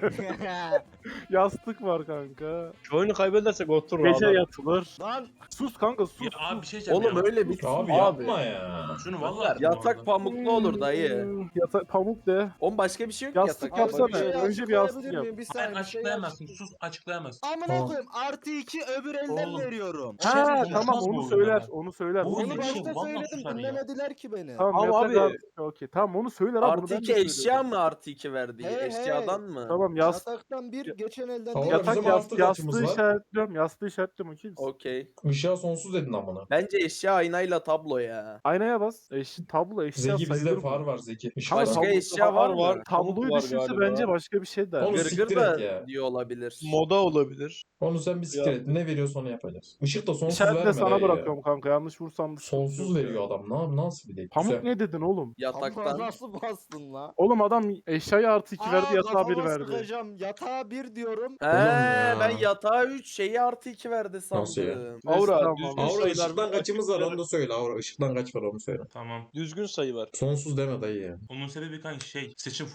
[SPEAKER 3] Yastık var kanka.
[SPEAKER 6] Şu oyunu kaybedersek oturur
[SPEAKER 3] Gece
[SPEAKER 6] abi.
[SPEAKER 3] yatılır.
[SPEAKER 1] Lan
[SPEAKER 3] Sus kanka sus.
[SPEAKER 5] Ya abi bir şey diyeceğim
[SPEAKER 4] Oğlum
[SPEAKER 5] ya.
[SPEAKER 4] öyle bitsin
[SPEAKER 2] Abi
[SPEAKER 4] abi.
[SPEAKER 2] yapma ya.
[SPEAKER 5] Şunu vallahi
[SPEAKER 4] Yatak pamuklu olur dayı.
[SPEAKER 3] Yatak pamuk de.
[SPEAKER 4] Oğlum başka bir şey yok
[SPEAKER 3] Yastık
[SPEAKER 4] yatak.
[SPEAKER 3] yapsana.
[SPEAKER 1] bir şey
[SPEAKER 3] Önce bir yastık
[SPEAKER 1] açıklayabilir
[SPEAKER 3] yap.
[SPEAKER 1] miyim? Bir
[SPEAKER 5] Hayır,
[SPEAKER 1] saniye bir şey
[SPEAKER 5] açıklayamazsın. Sus, açıklayamazsın.
[SPEAKER 1] Amına
[SPEAKER 2] Tamam.
[SPEAKER 1] koyayım. Artı 2 öbür elden
[SPEAKER 5] Oğlum.
[SPEAKER 1] veriyorum.
[SPEAKER 3] Ha
[SPEAKER 5] Şef,
[SPEAKER 3] tamam
[SPEAKER 5] olmaz bu
[SPEAKER 3] onu
[SPEAKER 5] oyun
[SPEAKER 3] söyler.
[SPEAKER 5] ya.
[SPEAKER 3] Onu söyler.
[SPEAKER 5] Bu
[SPEAKER 1] Onu
[SPEAKER 5] oyun
[SPEAKER 1] başta
[SPEAKER 5] şey, vallahi
[SPEAKER 1] söyledim,
[SPEAKER 5] susar ya.
[SPEAKER 1] dinlemediler ki beni.
[SPEAKER 3] Tamam
[SPEAKER 6] Ama
[SPEAKER 3] yatak
[SPEAKER 6] abi-
[SPEAKER 3] artı. Okey tamam onu söyler abi.
[SPEAKER 4] Artı
[SPEAKER 3] bunu ben de
[SPEAKER 4] 2
[SPEAKER 3] söylüyorum.
[SPEAKER 4] eşya mı artı 2 verdi?
[SPEAKER 1] He, he.
[SPEAKER 4] Eşyadan mı?
[SPEAKER 3] Tamam
[SPEAKER 1] Yataktan bir geçen elden
[SPEAKER 2] Oğlum,
[SPEAKER 1] değil.
[SPEAKER 2] bizim artık
[SPEAKER 3] Yastığı
[SPEAKER 2] açımız var.
[SPEAKER 3] işaretliyorum. Yastığı işaretliyorum okey misin?
[SPEAKER 4] Okey.
[SPEAKER 2] Işığa sonsuz dedin amına.
[SPEAKER 4] Bence eşya aynayla tablo ya.
[SPEAKER 3] Aynaya bas. Tablo eşya
[SPEAKER 2] Zeki
[SPEAKER 3] sayılır
[SPEAKER 2] bizde
[SPEAKER 3] mı?
[SPEAKER 2] far var Zeki. Işık
[SPEAKER 3] Kanka,
[SPEAKER 4] Başka
[SPEAKER 2] var.
[SPEAKER 3] tablo-
[SPEAKER 4] eşya var mı?
[SPEAKER 3] Tabloyu
[SPEAKER 6] Pamuk var
[SPEAKER 3] düşünse
[SPEAKER 6] galiba.
[SPEAKER 3] bence başka bir şey der.
[SPEAKER 2] Onu
[SPEAKER 4] Gırgır
[SPEAKER 2] siktir
[SPEAKER 4] da
[SPEAKER 2] et ya.
[SPEAKER 4] diyor olabilir.
[SPEAKER 6] Moda olabilir.
[SPEAKER 2] Onu sen bir siktir et. Ne veriyorsa onu yapacağız. Işık da sonsuz
[SPEAKER 3] İşaretle
[SPEAKER 2] verme
[SPEAKER 3] sana
[SPEAKER 2] dayı ya.
[SPEAKER 3] bırakıyorum kanka. Yanlış vursam da
[SPEAKER 2] Sonsuz
[SPEAKER 3] sıkıntı yok
[SPEAKER 2] veriyor
[SPEAKER 3] ya.
[SPEAKER 2] adam. Nasıl bir de?
[SPEAKER 3] Pamuk
[SPEAKER 2] Güzel.
[SPEAKER 3] ne dedin oğlum?
[SPEAKER 1] Amına
[SPEAKER 4] Yataktan.
[SPEAKER 1] nasıl bastın la?
[SPEAKER 3] Oğlum adam eşyayı artı 2 verdi yatağa 1
[SPEAKER 1] kafama
[SPEAKER 3] verdi.
[SPEAKER 1] sıkacağım. Yatağa 1 diyorum.
[SPEAKER 4] He
[SPEAKER 2] ya.
[SPEAKER 4] ben yatağa 3 şeyi artı 2 verdi sandım.
[SPEAKER 2] Nasıl ya?
[SPEAKER 6] Aura,
[SPEAKER 3] Tamam,
[SPEAKER 6] düzgün
[SPEAKER 3] tamam.
[SPEAKER 2] Aura
[SPEAKER 6] sayılar-
[SPEAKER 2] ışıktan kaçımız var onu da söyle. Aura ışıktan kaç var onu söyle.
[SPEAKER 5] Tamam.
[SPEAKER 6] Düzgün sayı var.
[SPEAKER 2] Sonsuz deme dayı ya.
[SPEAKER 5] Onun sebebi kanka seçim full diye.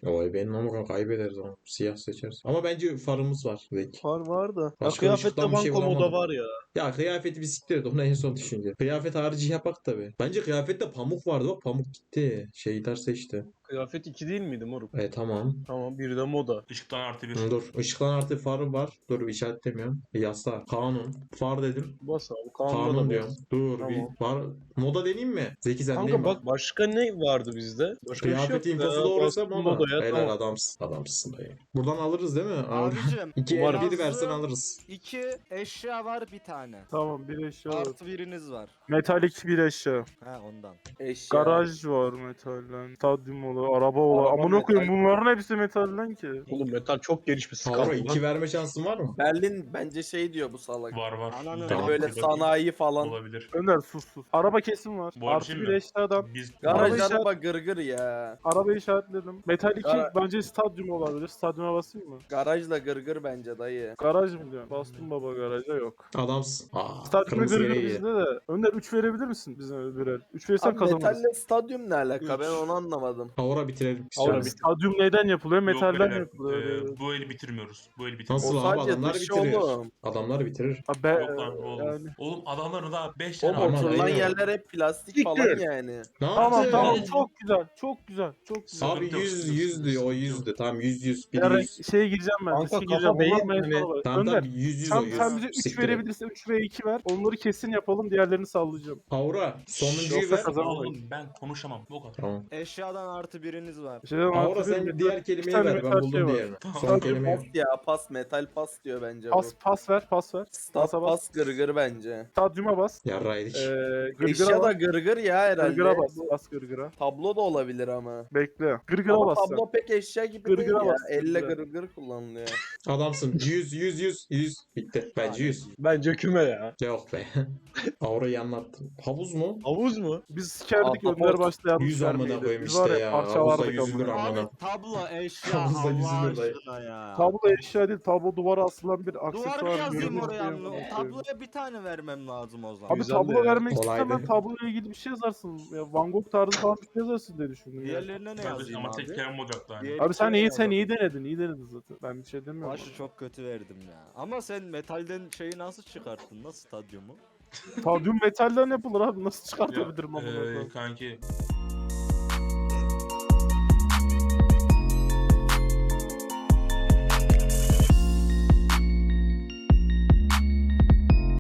[SPEAKER 2] Oy benim ama kaybederiz ama. Siyah seçeriz. Ama bence farımız var. Zeki.
[SPEAKER 6] Var da. Ya
[SPEAKER 2] Başka
[SPEAKER 6] kıyafette
[SPEAKER 2] ışıktan bir şey
[SPEAKER 6] banko moda
[SPEAKER 2] bulamadım.
[SPEAKER 6] var ya.
[SPEAKER 2] Ya kıyafeti bir siktir et. Onu en son düşünce. Kıyafet harici yapak tabi. Bence kıyafette pamuk vardı. Bak pamuk gitti. Şeyler seçti.
[SPEAKER 6] Kıyafet 2 değil miydi moruk?
[SPEAKER 2] Tamam.
[SPEAKER 6] Tamam bir de moda.
[SPEAKER 5] Işıktan artı bir.
[SPEAKER 2] Dur. Işıklan artı farı var. Dur işaretlemiyorum. Yasa. Kanun. Far dedim.
[SPEAKER 6] Bas abi. Kanunda
[SPEAKER 2] Kanun
[SPEAKER 6] da
[SPEAKER 2] diyorum.
[SPEAKER 6] bas.
[SPEAKER 2] Dur.
[SPEAKER 6] Tamam.
[SPEAKER 2] Bir var. Moda deneyeyim mi? Zeki sen
[SPEAKER 6] Kanka
[SPEAKER 2] değil mi?
[SPEAKER 6] bak başka ne vardı bizde? Başka bir şey
[SPEAKER 2] Kıyafet
[SPEAKER 6] yok.
[SPEAKER 2] infosu
[SPEAKER 6] Ya,
[SPEAKER 2] doğruysa
[SPEAKER 6] bastım
[SPEAKER 2] moda.
[SPEAKER 6] modaya,
[SPEAKER 2] Helal
[SPEAKER 6] tamam.
[SPEAKER 2] adamsın. Adamsın dayı. Buradan alırız değil mi?
[SPEAKER 1] Abicim.
[SPEAKER 2] 2
[SPEAKER 6] Umarım.
[SPEAKER 2] 1 versen alırız.
[SPEAKER 1] 2 eşya var bir tane.
[SPEAKER 3] Tamam bir eşya var.
[SPEAKER 1] Artı biriniz var.
[SPEAKER 3] Metalik bir eşya.
[SPEAKER 1] Ha ondan.
[SPEAKER 4] Eşya.
[SPEAKER 3] Garaj var metalden. Stadyum olur, araba olur.
[SPEAKER 4] Araba
[SPEAKER 3] Amına koyayım
[SPEAKER 4] metal.
[SPEAKER 3] bunların hepsi metalden ki.
[SPEAKER 6] Oğlum metal çok geniş bir skala.
[SPEAKER 2] Avro
[SPEAKER 6] lan.
[SPEAKER 2] 2 verme şansın var mı?
[SPEAKER 4] Berlin bence şey diyor bu salak.
[SPEAKER 5] Var var.
[SPEAKER 1] Ananı
[SPEAKER 2] Tamam.
[SPEAKER 4] Böyle sanayi falan.
[SPEAKER 5] Olabilir.
[SPEAKER 3] Önder sus sus. Araba kesim var.
[SPEAKER 5] Bu arada
[SPEAKER 3] Artı
[SPEAKER 5] şey
[SPEAKER 3] bir
[SPEAKER 5] mi?
[SPEAKER 3] eşyadan.
[SPEAKER 5] Biz
[SPEAKER 4] Garaj
[SPEAKER 3] Araba
[SPEAKER 4] araba gırgır ya.
[SPEAKER 3] Arabayı işaretledim. Metal 2
[SPEAKER 4] Gara-
[SPEAKER 3] bence stadyum olabilir. Stadyuma basayım mı?
[SPEAKER 4] Garajla gırgır bence dayı.
[SPEAKER 3] Garaj mı diyorsun? Bastım baba garaja yok.
[SPEAKER 2] Adamsın. Aa,
[SPEAKER 3] Stadyuma
[SPEAKER 2] kırmızı
[SPEAKER 3] gırgır
[SPEAKER 2] gereği.
[SPEAKER 3] bizde de. Önder 3 verebilir misin bize birer? 3 verirsen
[SPEAKER 4] Abi
[SPEAKER 3] kazanırız.
[SPEAKER 4] metalle stadyum ne alaka
[SPEAKER 3] Üç.
[SPEAKER 4] ben onu anlamadım.
[SPEAKER 2] Avra bitirelim.
[SPEAKER 3] Avra,
[SPEAKER 2] istiyorum.
[SPEAKER 3] stadyum neyden yapılıyor?
[SPEAKER 5] Yok
[SPEAKER 3] Metalden
[SPEAKER 5] beyler,
[SPEAKER 3] yapılıyor.
[SPEAKER 5] bu eli bitirmiyoruz. Bu eli
[SPEAKER 2] Nasıl
[SPEAKER 5] bitirmiyoruz.
[SPEAKER 4] O
[SPEAKER 2] abi
[SPEAKER 4] sadece
[SPEAKER 2] adamlar
[SPEAKER 4] dışı
[SPEAKER 2] bitirir.
[SPEAKER 4] oğlum.
[SPEAKER 2] Adamlar bitirir.
[SPEAKER 3] Ha,
[SPEAKER 5] Yok lan oğlum.
[SPEAKER 3] yani.
[SPEAKER 5] Oğlum adamların daha 5
[SPEAKER 4] O
[SPEAKER 5] tane
[SPEAKER 2] Aman
[SPEAKER 4] oturulan
[SPEAKER 2] aynen.
[SPEAKER 4] yerler hep plastik
[SPEAKER 6] Siktir.
[SPEAKER 4] falan yani.
[SPEAKER 2] Ne
[SPEAKER 3] Tamam
[SPEAKER 2] yaptı?
[SPEAKER 3] tamam
[SPEAKER 5] Ne?
[SPEAKER 3] çok güzel çok güzel çok güzel.
[SPEAKER 2] Abi
[SPEAKER 5] Sıkıntı yok,
[SPEAKER 2] 100
[SPEAKER 5] sıkıntı
[SPEAKER 2] 100
[SPEAKER 5] yok,
[SPEAKER 2] diyor o
[SPEAKER 5] sıkıntı
[SPEAKER 2] 100'dü. Tamam 100 100 bir
[SPEAKER 3] Yani
[SPEAKER 2] 100.
[SPEAKER 3] şeye gireceğim ben.
[SPEAKER 6] Kanka,
[SPEAKER 3] riske
[SPEAKER 6] kafa
[SPEAKER 3] gireceğim.
[SPEAKER 6] beyin
[SPEAKER 3] Bunlar
[SPEAKER 6] mi?
[SPEAKER 3] mevzular var.
[SPEAKER 2] Tamam
[SPEAKER 3] Önder,
[SPEAKER 2] tamam 100 100 o
[SPEAKER 3] sen
[SPEAKER 2] 100.
[SPEAKER 3] bize 3
[SPEAKER 2] Siktir et.
[SPEAKER 3] verebilirsen 3 ve 2 ver. Onları kesin yapalım. Diğerlerini sallayacağım.
[SPEAKER 2] Avra sonuncuyu
[SPEAKER 3] Yoksa
[SPEAKER 2] ver.
[SPEAKER 3] kazanamayız.
[SPEAKER 5] Oğlum ben konuşamam. Bu kadar.
[SPEAKER 2] Tamam.
[SPEAKER 1] Eşyadan artı biriniz var.
[SPEAKER 3] Şeyden
[SPEAKER 2] Avra
[SPEAKER 3] artı
[SPEAKER 2] sen
[SPEAKER 3] bir-
[SPEAKER 2] diğer
[SPEAKER 3] iki
[SPEAKER 2] kelimeyi
[SPEAKER 3] tane
[SPEAKER 2] ver. Ben
[SPEAKER 3] metal şey
[SPEAKER 2] buldum
[SPEAKER 3] var.
[SPEAKER 2] diğerini. Son
[SPEAKER 5] Tamam.
[SPEAKER 2] kelimeyi.
[SPEAKER 4] Pas ya pas metal pas diyor bence
[SPEAKER 3] Pas
[SPEAKER 4] bu.
[SPEAKER 3] pas ver pas ver.
[SPEAKER 4] Stat
[SPEAKER 3] Pasa bas.
[SPEAKER 4] pas gırgır bence.
[SPEAKER 3] Stadyuma bas.
[SPEAKER 2] Yarraydık.
[SPEAKER 3] Gırgıra
[SPEAKER 4] Eşya da
[SPEAKER 3] bas.
[SPEAKER 4] gırgır ya herhalde.
[SPEAKER 3] Gırgıra bas.
[SPEAKER 4] Bu
[SPEAKER 3] Bas gırgıra.
[SPEAKER 4] tablo da olabilir ama.
[SPEAKER 3] Bekle. Gırgıra
[SPEAKER 4] Ama
[SPEAKER 3] bas sen.
[SPEAKER 4] tablo pek eşya gibi
[SPEAKER 3] Gırgıra
[SPEAKER 4] değil ya.
[SPEAKER 3] bas,
[SPEAKER 4] Elle
[SPEAKER 3] gırgıra.
[SPEAKER 4] gırgır kullanılıyor.
[SPEAKER 2] Adamsın. 100 100 100 100 bitti. Bence 100.
[SPEAKER 6] Bence küme ya.
[SPEAKER 2] Yok be. Avra'yı anlattım. Havuz mu?
[SPEAKER 6] Havuz mu?
[SPEAKER 3] Biz sikerdik
[SPEAKER 4] Ahtapot.
[SPEAKER 3] Önder başta yanlış
[SPEAKER 2] 100 amına
[SPEAKER 3] vermeydi.
[SPEAKER 2] koyayım
[SPEAKER 3] Biz
[SPEAKER 2] işte
[SPEAKER 3] var
[SPEAKER 2] ya.
[SPEAKER 3] parçalardık
[SPEAKER 2] Havuzda yüzülür
[SPEAKER 3] amına.
[SPEAKER 2] amına.
[SPEAKER 1] Abi tablo eşya
[SPEAKER 2] Havuzda
[SPEAKER 1] Allah
[SPEAKER 2] yüzülür dayı.
[SPEAKER 1] aşkına ya.
[SPEAKER 3] Tablo eşya değil. Tablo duvara asılan bir aksesuar.
[SPEAKER 1] Duvar yazayım
[SPEAKER 3] görünüş
[SPEAKER 1] oraya.
[SPEAKER 3] değil mi?
[SPEAKER 1] Tabloya bir tane vermem lazım o zaman.
[SPEAKER 3] Abi
[SPEAKER 6] Güzel
[SPEAKER 3] tablo
[SPEAKER 6] de ya.
[SPEAKER 3] vermek
[SPEAKER 2] Kolaydı.
[SPEAKER 3] istemem. Tabloyla ilgili bir şey yazarsın. Ya Van Gogh tarzı falan bir şey yazarsın diye düşündüm. Ya.
[SPEAKER 1] Diğerlerine ne
[SPEAKER 5] Kardeşim
[SPEAKER 1] yazayım
[SPEAKER 5] ama tek
[SPEAKER 1] abi?
[SPEAKER 5] kelime olacaktı hani.
[SPEAKER 1] Diğer
[SPEAKER 3] Abi sen iyi
[SPEAKER 1] yazalım.
[SPEAKER 3] denedin. İyi denedin zaten. Ben bir şey demiyorum.
[SPEAKER 1] Başı çok kötü verdim ya. Ama sen metalden şeyi nasıl çıkarttın? Nasıl stadyumu?
[SPEAKER 3] Stadyum metalden yapılır abi. Nasıl çıkartabilirim
[SPEAKER 5] Ya,
[SPEAKER 3] amına koyayım?
[SPEAKER 5] kanki